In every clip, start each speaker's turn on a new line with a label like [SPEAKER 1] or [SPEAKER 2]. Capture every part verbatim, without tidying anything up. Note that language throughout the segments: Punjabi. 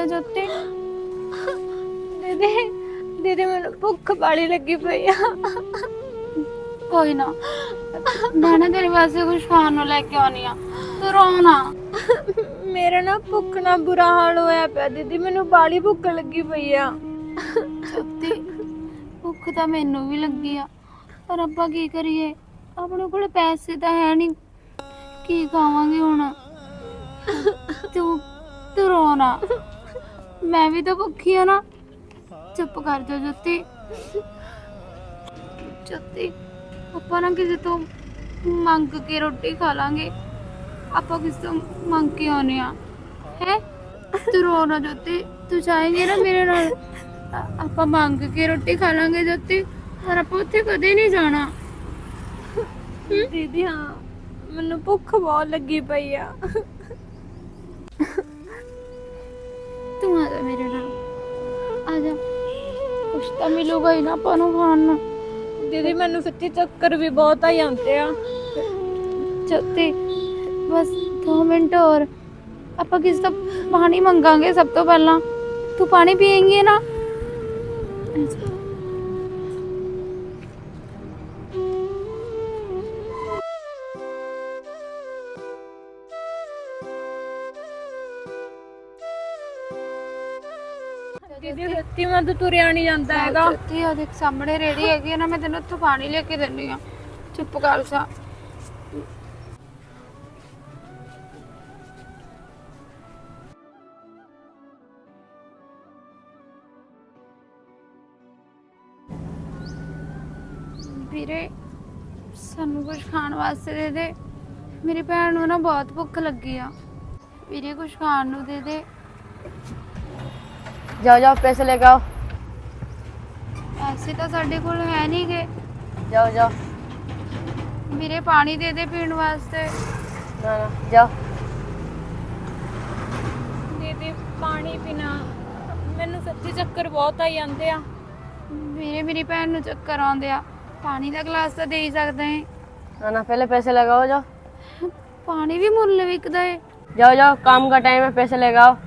[SPEAKER 1] ਜੋਤੀ। ਦੀਦੀ ਦੀਦੀ ਮੈਨੂੰ ਭੁੱਖ ਬਾਲੀ ਲੱਗੀ ਪਈ ਆ। ਕੋਈ ਨਾ, ਮੈਂ ਨਾ ਤੇਰੇ ਵਾਸਤੇ ਕੁਝ ਖਾਣ ਨੂੰ ਲੈ ਕੇ ਆਉਣੀ ਆ, ਤੂੰ ਰੋ ਨਾ। ਮੇਰਾ ਨਾ ਭੁੱਖ ਨਾਲ ਬੁਰਾ ਹਾਲ ਹੋਇਆ ਪਿਆ ਦੀਦੀ, ਮੈਨੂੰ ਬਾਲੀ ਭੁੱਖ ਲੱਗੀ ਪਈ ਆ। ਜੋਤੀ ਭੁੱਖ ਤਾਂ ਮੈਨੂੰ ਵੀ ਲੱਗੀ ਆ, ਪਰ ਆਪਾਂ ਕੀ ਕਰੀਏ, ਆਪਣੇ ਕੋਲ ਪੈਸੇ ਤਾਂ ਹੈ ਨਹੀਂ, ਕੀ ਖਾਵਾਂਗੇ ਹੁਣ। ਤੂੰ ਤੂੰ ਰੋ ਨਾ, ਮੈਂ ਵੀ ਤਾਂ ਭੁੱਖੀ ਆ ਨਾ। ਚੁੱਪ ਕਰ ਜਾ ਜੋਤੀ। ਜੋਤੀ ਆਪਾਂ ਨਾ ਕਿਸੇ ਤੋਂ ਮੰਗ ਕੇ ਰੋਟੀ ਖਾ ਲਾਂਗੇ, ਆਪਾਂ ਕਿਸੇ ਤੋਂ ਮੰਗ ਕੇ ਆਉਣੇ ਆ ਹੈ। ਤੂੰ ਰੋ ਨਾ ਜੋਤੀ, ਤੂੰ ਚਾਹੇਂਗੇ ਨਾ ਮੇਰੇ ਨਾਲ, ਆਪਾਂ ਮੰਗ ਕੇ ਰੋਟੀ ਖਾ ਲਾਂਗੇ ਜੋਤੀ, ਪਰ ਆਪਾਂ ਉੱਥੇ ਕਦੇ ਨਹੀਂ ਜਾਣਾ। ਦੀਦੀ ਹਾਂ, ਮੈਨੂੰ ਭੁੱਖ ਬਹੁਤ ਲੱਗੀ ਪਈ ਆ। ਤੂੰ ਆ ਜਾ ਮੇਰੇ ਨਾਲ, ਆ ਜਾ, ਕੁਛ ਤਾਂ ਮਿਲੂਗਾ ਹੀ ਨਾ ਆਪਾਂ ਨੂੰ ਖਾਣ ਨੂੰ। ਦੀਦੀ ਮੈਨੂੰ ਸੱਚੀ ਚੱਕਰ ਵੀ ਬਹੁਤ ਆ ਜਾਂਦੇ ਆ। ਜੋਤੀ ਬਸ ਦੋ ਮਿੰਟ ਹੋਰ, ਆਪਾਂ ਕਿਸੇ ਤੋਂ ਪਾਣੀ ਮੰਗਾਂਗੇ ਸਭ ਤੋਂ ਪਹਿਲਾਂ। ਤੂੰ ਪਾਣੀ ਪੀਏਂਗੀ ਨਾ? ਦੀਦੀ ਸੱਚੀ ਮੈਂ ਤਾਂ ਤੁਰਿਆ ਨਹੀਂ ਜਾਂਦਾ ਹੈਗਾ। ਜੋਤੀ ਆ ਦੇਖ ਸਾਹਮਣੇ ਰੇੜੀ ਹੈਗੀ ਨਾ, ਮੈਂ ਤੈਨੂੰ ਉੱਥੋਂ ਪਾਣੀ ਲੈ ਕੇ ਦਿੰਦੀ ਆ। ਚੁੱਪ ਕਰ ਜਾ। ਵੀਰੇ ਸਾਨੂੰ ਕੁਝ ਖਾਣ ਵਾਸਤੇ ਦੇ ਦੇ, ਮੇਰੀ ਭੈਣ ਨੂੰ ਨਾ ਬਹੁਤ ਭੁੱਖ ਲੱਗੀ ਆ। ਵੀਰੇ ਕੁਝ ਖਾਣ ਨੂੰ ਦੇ ਦੇ।
[SPEAKER 2] जाओ जाओ पैसे लेके आओ।
[SPEAKER 1] ਪੈਸੇ ਤਾਂ ਸਾਡੇ ਕੋਲ ਹੈ ਨਹੀਂ ਗੇ।
[SPEAKER 2] जाओ जाओ।
[SPEAKER 1] ਵੀਰੇ ਪਾਣੀ ਦੇ ਦੇ ਪੀਣ ਵਾਸਤੇ।
[SPEAKER 2] ना ना जाओ।
[SPEAKER 1] ਦੀਦੀ ਪਾਣੀ ਪੀਣਾ, ਮੈਨੂੰ ਸੱਚੀ ਚੱਕਰ ਬਹੁਤ ਆਈ ਜਾਂਦੇ ਆ। ਵੀਰੇ ਮੇਰੀ ਭੈਣ ਨੂੰ ਚੱਕਰ ਆਉਂਦੇ ਆ, ਪਾਣੀ ਦਾ ਗਲਾਸ ਤਾਂ ਦੇ ਹੀ ਸਕਦੇ ਹੈ।
[SPEAKER 2] ना ना पहले पैसे लगाओ जाओ।
[SPEAKER 1] ਪਾਣੀ ਵੀ ਮੁੱਲ ਵਿਕਦਾ ਏ।
[SPEAKER 2] जाओ जाओ, काम का टाइम है, पैसे लेके आओ।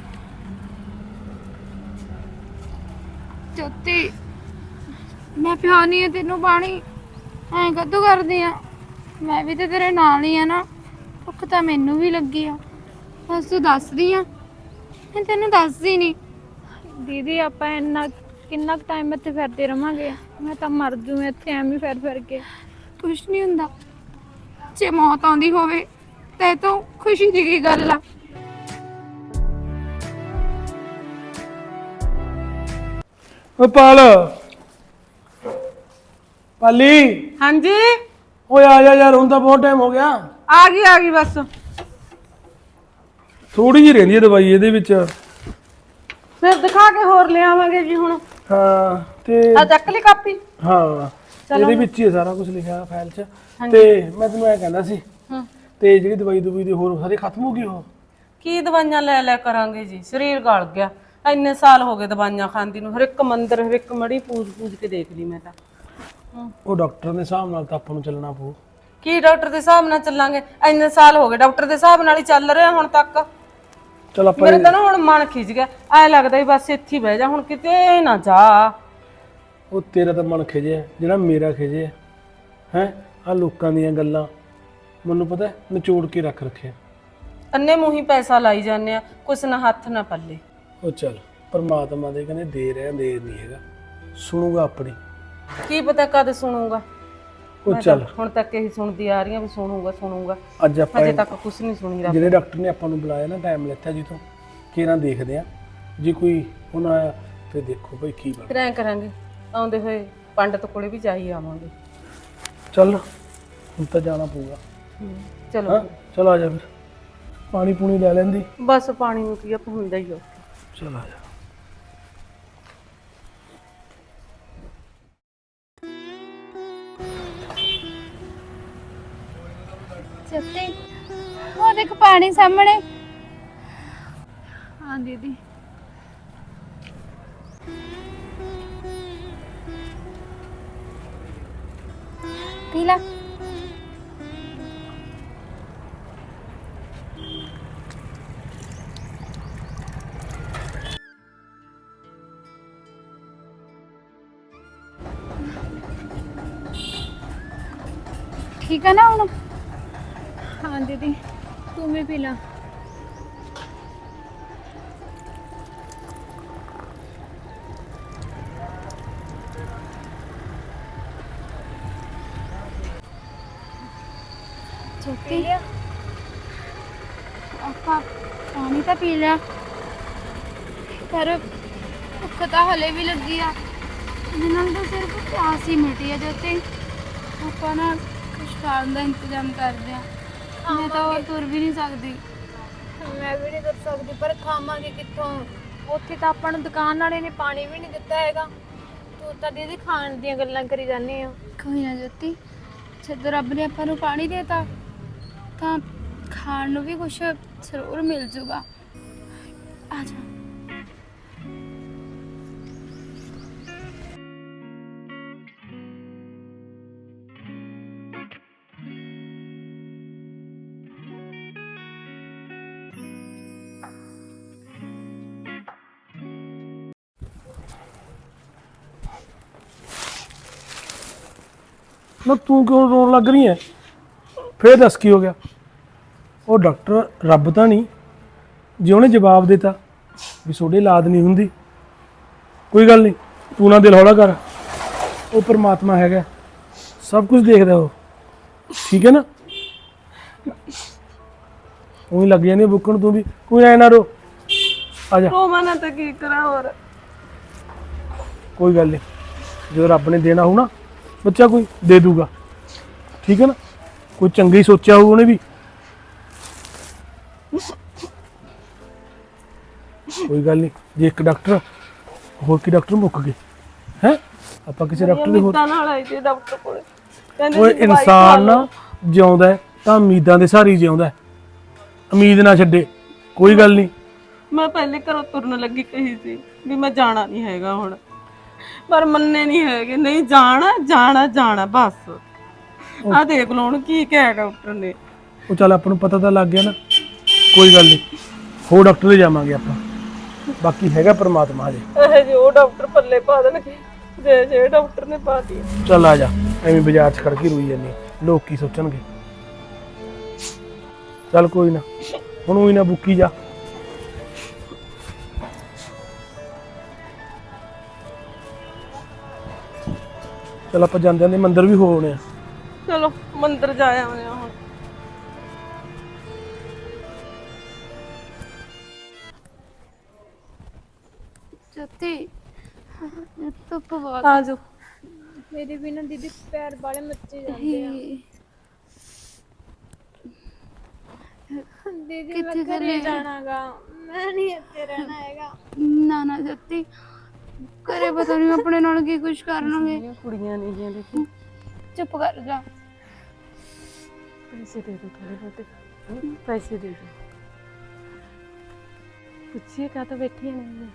[SPEAKER 1] ਜੋਤੀ ਮੈਂ ਪਿਆਉਣੀ ਆ ਤੈਨੂੰ ਪਾਣੀ, ਐਂ ਕਦੋਂ ਕਰਦੀ ਆ? ਮੈਂ ਵੀ ਤੇ ਤੇਰੇ ਨਾਲ ਹੀ ਆ ਨਾ। ਭੁੱਖ ਤਾਂ ਮੈਨੂੰ ਵੀ ਲੱਗੀ ਆ, ਬਸ ਤੂੰ ਦੱਸਦੀ ਆ, ਮੈਂ ਤੈਨੂੰ ਦੱਸਦੀ ਨਹੀਂ। ਦੀਦੀ ਆਪਾਂ ਇੰਨਾ ਕਿੰਨਾ ਟਾਈਮ ਇੱਥੇ ਫਿਰਦੇ ਰਵਾਂਗੇ, ਮੈਂ ਤਾਂ ਮਰ ਜੂ ਇੱਥੇ ਐਵੇਂ ਫਿਰ ਫਿਰ ਕੇ। ਕੁਛ ਨਹੀਂ ਹੁੰਦਾ, ਜੇ ਮੌਤ ਆਉਂਦੀ ਹੋਵੇ ਤੇ ਤੋਂ ਖੁਸ਼ੀ ਦੀ ਕੀ ਗੱਲ ਆ।
[SPEAKER 3] ਓ ਪਾਲ ਪਾਲੀ,
[SPEAKER 4] हाँ जी
[SPEAKER 3] ਓਏ ਆ ਜਾ ਯਾਰ, ਹੁਣ ਤਾਂ ਬਹੁਤ ਟਾਈਮ ਹੋ ਗਿਆ।
[SPEAKER 4] आ गई आ गई बस।
[SPEAKER 3] ਥੋੜੀ ਜਿਹੀ ਰਹਿੰਦੀ ਹੈ ਦਵਾਈ ਇਹਦੇ ਵਿੱਚ।
[SPEAKER 4] फिर दिखा के होर ले आवांगे जी हुण।
[SPEAKER 3] ਹਾਂ ਤੇ
[SPEAKER 4] आ चक ली कापी।
[SPEAKER 3] ਹਾਂ ਇਹਦੇ ਵਿੱਚ ਹੀ ਹੈ ਸਾਰਾ ਕੁਝ ਲਿਖਿਆ ਫਾਈਲ 'ਚ। ਤੇ ਮੈਂ ਤੈਨੂੰ ਇਹ ਕਹਿੰਦਾ ਸੀ, ਤੇ ਜਿਹੜੀ ਦਵਾਈ ਦਵਾਈ ਦੀ ਹੋਰ ਸਾਰੀ ਖਤਮ ਹੋ ਗਈ ਉਹ?
[SPEAKER 4] की दवाइयां ले ले करांगे जी, शरीर गल गया। इन्ने साल हो गए दवाइयां खांदी नूं, हर एक मंदिर हर एक मड़ी पूज पूज के देख ली मैं तां।
[SPEAKER 3] ਉਹ ਡਾਕਟਰ ਦੇ ਹਿਸਾਬ ਨਾਲ ਤਾਂ ਆਪਾਂ ਨੂੰ ਚੱਲਣਾ ਪਊ।
[SPEAKER 4] की डॉक्टर दे हिसाब नाल चलांगे? इन्ने साल हो गए डॉक्टर दे हिसाब नाल ही चल रहे हुण तक।
[SPEAKER 3] चल ਆਪਾਂ
[SPEAKER 4] मेरे तां ना हुण मन खिज गया, ऐ लगदा बस इत्थे ही बह जा हुण, किते ना जा।
[SPEAKER 3] ਉਹ ਤੇਰਾ ਤਾਂ ਮਨ ਖਿਜਿਆ, ਜਿਹੜਾ ਮੇਰਾ ਖਿਜਿਆ ਹੈ ਆ ਲੋਕਾਂ ਦੀਆਂ ਗੱਲਾਂ ਮੈਨੂੰ ਪਤਾ ਨਿਚੋੜ ਕੇ ਰੱਖ ਰੱਖਿਆ।
[SPEAKER 4] अन्ने मूंह ही पैसा लाई जाने आ, कुछ ना हथ ना पल्ले।
[SPEAKER 3] ਉਹ ਚੱਲ ਪਰਮਾਤਮਾ ਦੇ ਕਹਿੰਦੇ ਦੇ ਰਿਹਾ, ਦੇਰ ਨਹੀਂ ਹੈਗਾ, ਸੁਣੂਗਾ ਆਪਣੀ।
[SPEAKER 4] की पता कद सुनूंगा।
[SPEAKER 3] ਉਹ ਚੱਲ
[SPEAKER 4] ਹੁਣ ਤੱਕ ਇਹੀ ਸੁਣਦੀ ਆ ਰਹੀ ਆ ਵੀ ਸੁਣੂਗਾ ਸੁਣੂਗਾ,
[SPEAKER 3] ਅੱਜ ਆਪਾਂ
[SPEAKER 4] ਅਜੇ ਤੱਕ ਕੁਝ ਨਹੀਂ ਸੁਣੀ ਰੱਬ।
[SPEAKER 3] ਜਿਹੜੇ ਡਾਕਟਰ ਨੇ ਆਪਾਂ ਨੂੰ ਬੁਲਾਇਆ ਨਾ, ਟਾਈਮ ਲੈਤਾ ਜੀ ਤੋਂ, ਕਿਹਨਾਂ ਦੇਖਦੇ ਆ ਜੇ ਕੋਈ ਹੁਣ ਆਇਆ ਫਿਰ ਦੇਖੋ ਭਾਈ ਕੀ
[SPEAKER 4] ਫਿਰ
[SPEAKER 3] ਬਣਦਾ।
[SPEAKER 4] ਐਂ ਕਰਾਂਗੇ, ਆਉਂਦੇ ਹੋਏ ਪੰਡਤ ਕੋਲੇ ਵੀ ਜਾਈ ਆਵਾਂਗੇ।
[SPEAKER 3] ਚੱਲ ਹੁਣ ਤਾਂ ਜਾਣਾ ਪਊਗਾ।
[SPEAKER 4] ਚਲੋ
[SPEAKER 3] ਹਾਂ ਚਲ ਆ ਜਾ, ਫਿਰ ਪਾਣੀ ਪੂਣੀ ਲੈ ਲੈਂਦੀ।
[SPEAKER 4] ਬਸ ਪਾਣੀ ਨੂੰ ਕੀ ਆਪਾਂ ਹੁੰਦਾ ਹੀ ਆ।
[SPEAKER 3] ਚਲ ਆ ਜਾ।
[SPEAKER 1] ਜੋਤੀ ਉਹ ਦੇਖ ਪਾਣੀ ਸਾਹਮਣੇ। ਹਾਂ ਦੀਦੀ ਪੀ ਲਾ। ਠੀਕ ਹੈ ਨਾ ਹੁਣ?
[SPEAKER 5] ਹਾਂ ਦੀਦੀ ਤੂੰ ਵੀ ਪੀ ਲਾ।
[SPEAKER 1] ਜੋਤੀ ਆਪਾਂ ਪਾਣੀ ਤਾਂ ਪੀ ਲਿਆ, ਪਰ ਭੁੱਖ ਤਾਂ ਹਲੇ ਵੀ ਲੱਗੀ ਆ। ਇਹਦੇ ਨਾਲ ਤਾਂ ਸਿਰਫ ਪਿਆਸ ਹੀ ਮਿਟੀ ਆ। ਜੋਤੀ ਆਪਾਂ ਨਾ ਕੁਛ ਖਾਣ ਦਾ ਇੰਤਜ਼ਾਮ ਕਰਦੇ ਆ। ਮੈਂ ਤਾਂ ਹੋਰ ਤੁਰ ਵੀ ਨਹੀਂ ਸਕਦੀ।
[SPEAKER 5] ਮੈਂ ਵੀ ਨਹੀਂ ਕਰ ਸਕਦੀ, ਪਰ ਖਾਵਾਂਗੇ ਕਿੱਥੋਂ? ਉੱਥੇ ਤਾਂ ਆਪਾਂ ਨੂੰ ਦੁਕਾਨ ਵਾਲੇ ਨੇ ਪਾਣੀ ਵੀ ਨਹੀਂ ਦਿੱਤਾ ਹੈਗਾ। ਤੂੰ ਤਾਂ ਦੀਦੀ ਖਾਣ ਦੀਆਂ ਗੱਲਾਂ ਕਰੀ ਜਾਂਦੀ ਆ।
[SPEAKER 1] ਕੋਈ ਨਾ ਜੋਤੀ, ਜਦੋਂ ਰੱਬ ਨੇ ਆਪਾਂ ਨੂੰ ਪਾਣੀ ਦੇਤਾ ਤਾਂ ਖਾਣ ਨੂੰ ਵੀ ਕੁਛ ਜ਼ਰੂਰ ਮਿਲ ਜੂਗਾ। ਆ ਜਾ।
[SPEAKER 3] ਨਾ ਤੂੰ ਕਿਉਂ ਰੋਣ ਲੱਗ ਰਹੀ ਹੈ? ਫੇਰ ਦੱਸ ਕੀ ਹੋ ਗਿਆ? ਉਹ ਡਾਕਟਰ ਰੱਬ ਤਾਂ ਨਹੀਂ, ਜੇ ਉਹਨੇ ਜਵਾਬ ਦਿੱਤਾ ਵੀ ਤੁਹਾਡੇ ਔਲਾਦ ਨਹੀਂ ਹੁੰਦੀ, ਕੋਈ ਗੱਲ ਨਹੀਂ, ਤੂੰ ਨਾ ਦਿਲ ਹੌਲਾ ਕਰ। ਉਹ ਪਰਮਾਤਮਾ ਹੈਗਾ, ਸਭ ਕੁਝ ਦੇਖਦਾ ਉਹ, ਠੀਕ ਹੈ ਨਾ? ਉਹੀ ਲੱਗ ਜਾਂਦੀ ਬੁੱਕਣ, ਤੂੰ ਵੀ ਕੋਈ ਐ ਨਾ ਰੋ, ਆ ਜਾ।
[SPEAKER 4] ਰੋਵਾਂ ਨਾ ਤਾਂ ਕੀ ਕਰਾਂ ਹੋਰ।
[SPEAKER 3] ਕੋਈ ਗੱਲ ਨਹੀਂ, ਜਦੋਂ ਰੱਬ ਨੇ ਦੇਣਾ ਹੋਊ ਨਾ ਬੱਚਾ ਕੋਈ ਦੇ ਦੂਗਾ, ਠੀਕ ਹੈ ਨਾ? ਕੋਈ ਚੰਗਾ ਹੀ ਸੋਚਿਆ ਹੋਊ ਉਹਨੇ ਵੀ। ਕੋਈ ਗੱਲ ਨਹੀਂ, ਜੇ ਇੱਕ ਡਾਕਟਰ ਹੋਰ ਕੀ ਡਾਕਟਰ ਮੁੱਕ ਗਏ ਹੈ, ਆਪਾਂ ਕਿਸੇ ਡਾਕਟਰ ਦੇ ਹੋਰ।
[SPEAKER 4] ਮਿੱਤਾਂ ਨਾਲ ਆਈ ਸੀ ਡਾਕਟਰ ਕੋਲ, ਕਹਿੰਦੇ
[SPEAKER 3] ਉਹ
[SPEAKER 4] ਸੀ ਦਵਾਈ ਖਾ
[SPEAKER 3] ਇਨਸਾਨ
[SPEAKER 4] ਲਓ।
[SPEAKER 3] ਨਾ ਜਿਉਂਦਾ ਹੈ ਤਾਂ ਉਮੀਦਾਂ ਦੇ ਸਹਾਰੇ ਹੀ ਜਿਉਂਦਾ ਹੈ, ਉਮੀਦ ਨਾ ਛੱਡੇ। ਕੋਈ ਗੱਲ ਨਹੀਂ,
[SPEAKER 4] ਮੈਂ ਪਹਿਲੇ ਘਰੋਂ ਤੁਰਨ ਲੱਗੀ ਕਹੀ ਸੀ ਵੀ ਮੈਂ ਜਾਣਾ ਨਹੀਂ ਹੈਗਾ ਹੁਣ, ਪਰ ਮੰਨੇ ਨਹੀਂ ਹੈਗੇ। ਨਹੀਂ ਜਾਣਾ ਜਾਣਾ ਜਾਣਾ ਬਸ। ਆ ਦੇਖ ਲਓ ਹੁਣ ਕੀ ਕਿਹਾ ਡਾਕਟਰ ਨੇ।
[SPEAKER 3] ਉਹ ਚੱਲ ਆਪਾਂ ਨੂੰ ਪਤਾ ਤਾਂ ਲੱਗ ਗਿਆ ਨਾ, ਕੋਈ ਗੱਲ ਨਹੀਂ, ਹੋਰ ਡਾਕਟਰ ਦੇ ਜਾਵਾਂਗੇ ਆਪਾਂ, ਬਾਕੀ ਹੈਗਾ ਪਰਮਾਤਮਾ ਹਜੇ।
[SPEAKER 4] ਇਹ ਜੇ ਉਹ ਡਾਕਟਰ ਪੱਲੇ ਪਾ ਦੇਣਗੇ ਜੇ ਜੇ ਡਾਕਟਰ ਨੇ ਪਾਤੀ।
[SPEAKER 3] ਚੱਲ ਆ ਜਾ, ਐਵੇਂ ਬਾਜ਼ਾਰ 'ਚ ਖੜ ਕੇ ਰੋਈ ਜਾਂਦੀ, ਲੋਕ ਕੀ ਸੋਚਣਗੇ। ਚੱਲ ਕੋਈ ਨਾ, ਹੁਣ ਉਹੀ ਨਾ ਬੁੱਕੀ ਜਾ। ਚੱਲ ਆਪਾਂ ਜਾਂਦੇ ਜਾਂਦੇ ਮੰਦਿਰ ਵੀ ਹੋ ਆਉਣੇ ਆ।
[SPEAKER 4] ਚਲੋ ਮੰਦਿਰ ਜਾ ਆਉਂਦੇ ਹਾਂ ਹੁਣ।
[SPEAKER 1] ਜੋਤੀ ਧੁੱਪ ਬਹੁਤ
[SPEAKER 4] ਆ ਜਾਓ।
[SPEAKER 5] ਮੇਰੇ ਵੀ ਨਾ ਦੀਦੀ ਪੈਰ ਬਾਲੇ ਮੱਚੇ ਜਾਂਦੇ ਆ। ਦੀਦੀ ਮੈਂ
[SPEAKER 1] ਕਿੱਥੇ
[SPEAKER 5] ਘਰੇ
[SPEAKER 1] ਚੱਲੇ?
[SPEAKER 5] ਜਾਣਾਗਾ, ਮੈਂ ਨਹੀਂ ਇੱਥੇ ਰਹਿਣਾ ਹੈਗਾ।
[SPEAKER 1] ਨਾ ਨਾ ਜੋਤੀ, ਘਰੇ ਪਤਾ ਨਹੀਂ ਆਪਣੇ ਨਾਲ ਕੀ ਕੁਛ ਕਰਨਗੇ।
[SPEAKER 4] ਇਹ ਕੁੜੀਆਂ ਨਹੀਂ ਗਈਆਂ, ਦੇਖੀ।
[SPEAKER 1] ਚੁੱਪ ਕਰ ਜਾ।
[SPEAKER 4] ਪੈਸੇ ਦੇ ਦੋ ਥੋੜੇ ਬਹੁਤੇ, ਪੈਸੇ ਦੇ ਦੋ। ਪੁੱਛੀਏ ਕਾ ਤਾਂ ਬੈਠੀ ਨਹੀਂ।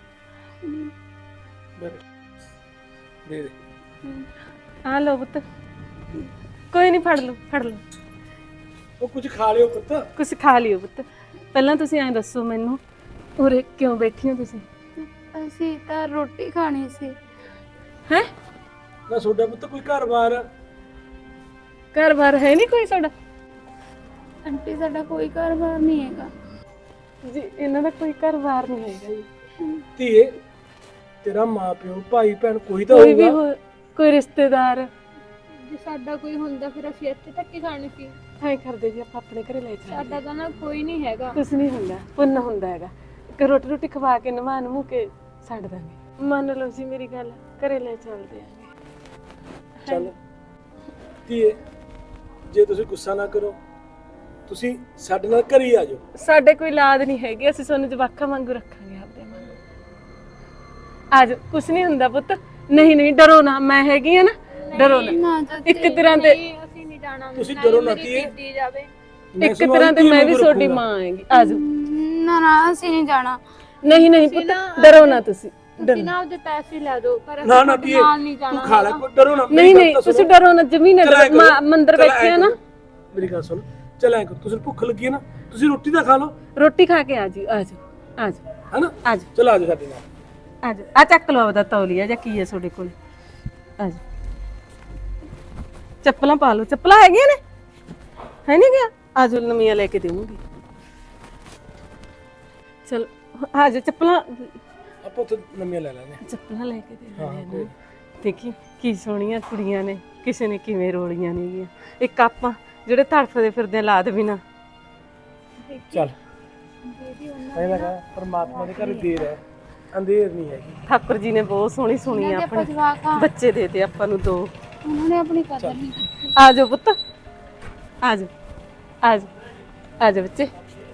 [SPEAKER 3] ਦੇ ਦੇ।
[SPEAKER 4] ਆ ਲਓ ਪੁੱਤ, ਕੋਈ ਨਹੀਂ, ਫੜ ਲਓ ਫੜ ਲਓ।
[SPEAKER 3] ਉਹ ਕੁਝ ਖਾ ਲਿਓ ਪੁੱਤ।
[SPEAKER 4] ਕੁਛ ਖਾ ਲਿਓ ਪੁੱਤ। ਪਹਿਲਾਂ ਤੁਸੀਂ ਐਂ ਦੱਸੋ ਮੈਨੂੰ, ਉਰੇ ਕਿਉਂ ਬੈਠੀ ਹੋ ਤੁਸੀਂ?
[SPEAKER 1] ਅਸੀਂ ਤਾਂ ਰੋਟੀ ਖਾਣੀ ਸੀ।
[SPEAKER 4] ਹੈ
[SPEAKER 3] ਨਾ ਤੁਹਾਡਾ ਪੁੱਤ ਕੋਈ ਘਰ-ਬਾਰ?
[SPEAKER 4] ਘਰ-ਬਾਰ ਹੈ ਨਹੀਂ ਕੋਈ ਤੁਹਾਡਾ?
[SPEAKER 1] ਆਂਟੀ ਸਾਡਾ ਕੋਈ ਘਰ-ਬਾਰ ਨਹੀਂ ਹੈਗਾ
[SPEAKER 4] ਜੀ, ਇਹਨਾਂ ਦਾ ਕੋਈ ਘਰ-ਬਾਰ ਨਹੀਂ ਹੈਗਾ ਜੀ।
[SPEAKER 3] ਧੀਏ, ਤੇਰਾ ਮਾਂ-ਪਿਓ, ਭਾਈ-ਭੈਣ ਕੋਈ ਤਾਂ
[SPEAKER 4] ਕੋਈ ਵੀ
[SPEAKER 3] ਹੋਊਗਾ।
[SPEAKER 4] ਹੋ, ਕੋਈ ਰਿਸ਼ਤੇਦਾਰ।
[SPEAKER 5] ਜੇ ਸਾਡਾ ਕੋਈ ਹੁੰਦਾ ਫਿਰ ਅਸੀਂ ਇੱਥੇ ਧੱਕੇ ਖਾਣੀ ਸੀ।
[SPEAKER 4] ਐਂ ਕਰਦੇ ਜੀ, ਆਪਾਂ ਆਪਣੇ ਘਰੇ ਲੈ ਚੱਲਦੇ।
[SPEAKER 5] ਸਾਡਾ ਤਾਂ ਨਾ ਕੋਈ ਨਹੀਂ ਹੈਗਾ।
[SPEAKER 4] ਕੁਛ ਨਹੀਂ ਹੁੰਦਾ, ਪੁੰਨ ਹੁੰਦਾ ਹੈਗਾ। ਇੱਕ ਰੋਟੀ ਰੋਟੀ ਖਵਾ ਕੇ ਨਵਾ ਨਮੂ ਕੇ ਛੱਡ ਦਾਂਗੇ। ਮੰਨ ਲਓ ਜੀ ਮੇਰੀ ਗੱਲ, ਘਰੇ ਲੈ ਚੱਲਦੇ ਆਂਗੇ।
[SPEAKER 3] ਚੱਲ ਧੀਏ, ਜੇ ਤੁਸੀਂ ਗੁੱਸਾ ਨਾ ਕਰੋ, ਤੁਸੀਂ ਸਾਡੇ ਨਾਲ ਘਰੇ ਹੀ ਆ ਜਾਓ।
[SPEAKER 4] ਸਾਡੇ ਕੋਈ ਲਾਦ ਨਹੀਂ ਹੈਗੀ, ਅਸੀਂ ਤੁਹਾਨੂੰ ਜਵਾਕਾਂ ਵਾਂਗੂ ਰੱਖਾਂਗੇ ਆਪਦੇ ਵਾਂਗੂ। ਆ ਜਾਓ, ਕੁਛ ਨਹੀਂ ਹੁੰਦਾ ਪੁੱਤ। ਨਹੀਂ ਨਹੀਂ, ਡਰੋ ਨਾ, ਮੈਂ ਹੈਗੀ ਆ ਨਾ, ਡਰੋ ਨਾ।
[SPEAKER 1] ਨਾ ਜੋਤੀ,
[SPEAKER 4] ਇੱਕ ਤਰ੍ਹਾਂ ਦੇ
[SPEAKER 5] ਨਹੀਂ ਅਸੀਂ ਨਹੀਂ ਜਾਣਾ।
[SPEAKER 3] ਤੁਸੀਂ ਡਰੋ ਨਾ ਧੀਏ।
[SPEAKER 5] ਕੀਤੀ ਜਾਵੇ।
[SPEAKER 4] ਇੱਕ ਤਰ੍ਹਾਂ ਦੇ ਮੈਂ ਵੀ ਤੁਹਾਡੀ ਮਾਂ ਹੈਗੀ। ਆ ਜਾਓ।
[SPEAKER 1] ਨਾ ਨਾ ਅਸੀਂ ਨਹੀਂ ਜਾਣਾ।
[SPEAKER 4] ਨਹੀਂ ਨਹੀਂ ਪੁੱਤ, ਡਰੋ ਨਾ ਤੁਸੀਂ।
[SPEAKER 5] ਤੁਸੀਂ ਨਾ ਉਹਦੇ ਪੈਸੇ ਲੈ ਦਿਓ, ਪਰ ਅਸੀਂ
[SPEAKER 3] ਨਾ ਨਾ
[SPEAKER 5] ਤੁਹਾਡੇ
[SPEAKER 3] ਧੀਏ,
[SPEAKER 5] ਨਾਲ ਨਹੀਂ
[SPEAKER 3] ਤੂੰ
[SPEAKER 5] ਜਾਣਾ
[SPEAKER 3] ਖਾ ਲੈ, ਕੋਈ ਡਰੋ ਨਾ।
[SPEAKER 4] ਨਹੀਂ ਨਹੀਂ, ਤੁਸੀਂ ਡਰੋ ਨਾ, ਜਮੀ ਨਾ
[SPEAKER 3] ਚੱਲ ਐਂ
[SPEAKER 4] ਡਰੋ।
[SPEAKER 3] ਕਰੋ,
[SPEAKER 4] ਮਾਂ ਮੰਦਰ
[SPEAKER 3] ਚੱਲ
[SPEAKER 4] ਬੈਠੇ
[SPEAKER 3] ਐਂ
[SPEAKER 4] ਆ ਨਾ।
[SPEAKER 3] ਕਰੋ, ਮੇਰੀ ਗੱਲ ਸੁਣ, ਚੱਲ ਐਂ ਕਰੋ, ਤੁਸੀਂ ਭੁੱਖ ਲੱਗੀ ਹੈ ਨਾ, ਤੁਸੀਂ ਰੋਟੀ ਤਾਂ ਖਾ ਲਓ,
[SPEAKER 4] ਰੋਟੀ ਖਾ ਕੇ ਆ ਜੀ। ਆ ਜਾਓ ਆ ਜਾਓ
[SPEAKER 3] ਹੈਨਾ?
[SPEAKER 4] ਆ ਜਾਓ
[SPEAKER 3] ਚਲ ਆ ਜਾਓ ਸਾਡੇ ਨਾਲ।
[SPEAKER 4] ਆ ਜਾਓ। ਆ ਚੱਕ ਲਓ ਆਪਦਾ ਤੌਲੀਆ ਜਾਂ ਕੀ ਹੈ ਤੁਹਾਡੇ ਕੋਲ। ਆ ਜਾਓ, ਚੱਪਲਾਂ ਪਾ ਲਓ। ਚੱਪਲਾਂ ਹੈਗੀਆਂ ਨੇ? ਹੈ ਨਹੀਂ ਗਿਆ? ਆਜੋ ਨਵੀਆਂ ਲੈ ਕੇ ਦੇਵਾਂਗੀ। ਚਲ ਆਜੋ ਚੱਪਲਾਂ
[SPEAKER 3] ਆਪਾਂ ਉੱਥੇ ਨਵੀਆਂ ਲੈ ਲੈਣੇ
[SPEAKER 4] ਚੱਪਲਾਂ ਲੈ ਕੇ ਦੇ
[SPEAKER 3] ਹਾਂ
[SPEAKER 4] ਦਿੰਦੇ
[SPEAKER 3] ਕੋਈ
[SPEAKER 4] ਨੇ। ਦੇਖੀ ਕੀ ਸੋਹਣੀਆਂ ਕੁੜੀਆਂ ਨੇ, ਕਿਸੇ ਨੇ ਕਿਵੇਂ ਰੋਲੀਆਂ ਨੇਗੀਆਂ। ਇੱਕ ਆਪਾਂ ਜਿਹੜੇ ਤੜਫਦੇ ਫਿਰਦੇ ਲਾਦ ਵੀ ਨਾ।
[SPEAKER 3] ਚੱਲ ਇਹ ਲਗਾ ਪਰਮਾਤਮਾ ਦੇ ਘਰ ਦੇਰ ਹੈ, ਅੰਧੇਰ ਨਹੀਂ ਹੈਗੀ।
[SPEAKER 4] ਠਾਕੁਰ ਜੀ ਨੇ ਬਹੁਤ ਸੋਹਣੀ ਸੁਣੀ ਆਪਣੇ
[SPEAKER 1] ਜਵਾਕ ਆ
[SPEAKER 4] ਬੱਚੇ ਦੇ ਤੇ ਆਪਾਂ ਨੂੰ ਦੋ।
[SPEAKER 1] ਉਹਨਾਂ ਨੇ ਆਪਣੀ ਕਦਰ ਨਹੀਂ ਕੀਤੀ।
[SPEAKER 4] ਆਜੋ ਪੁੱਤ, ਆਜੋ ਆਜੋ ਆਜੋ ਬੱਚੇ।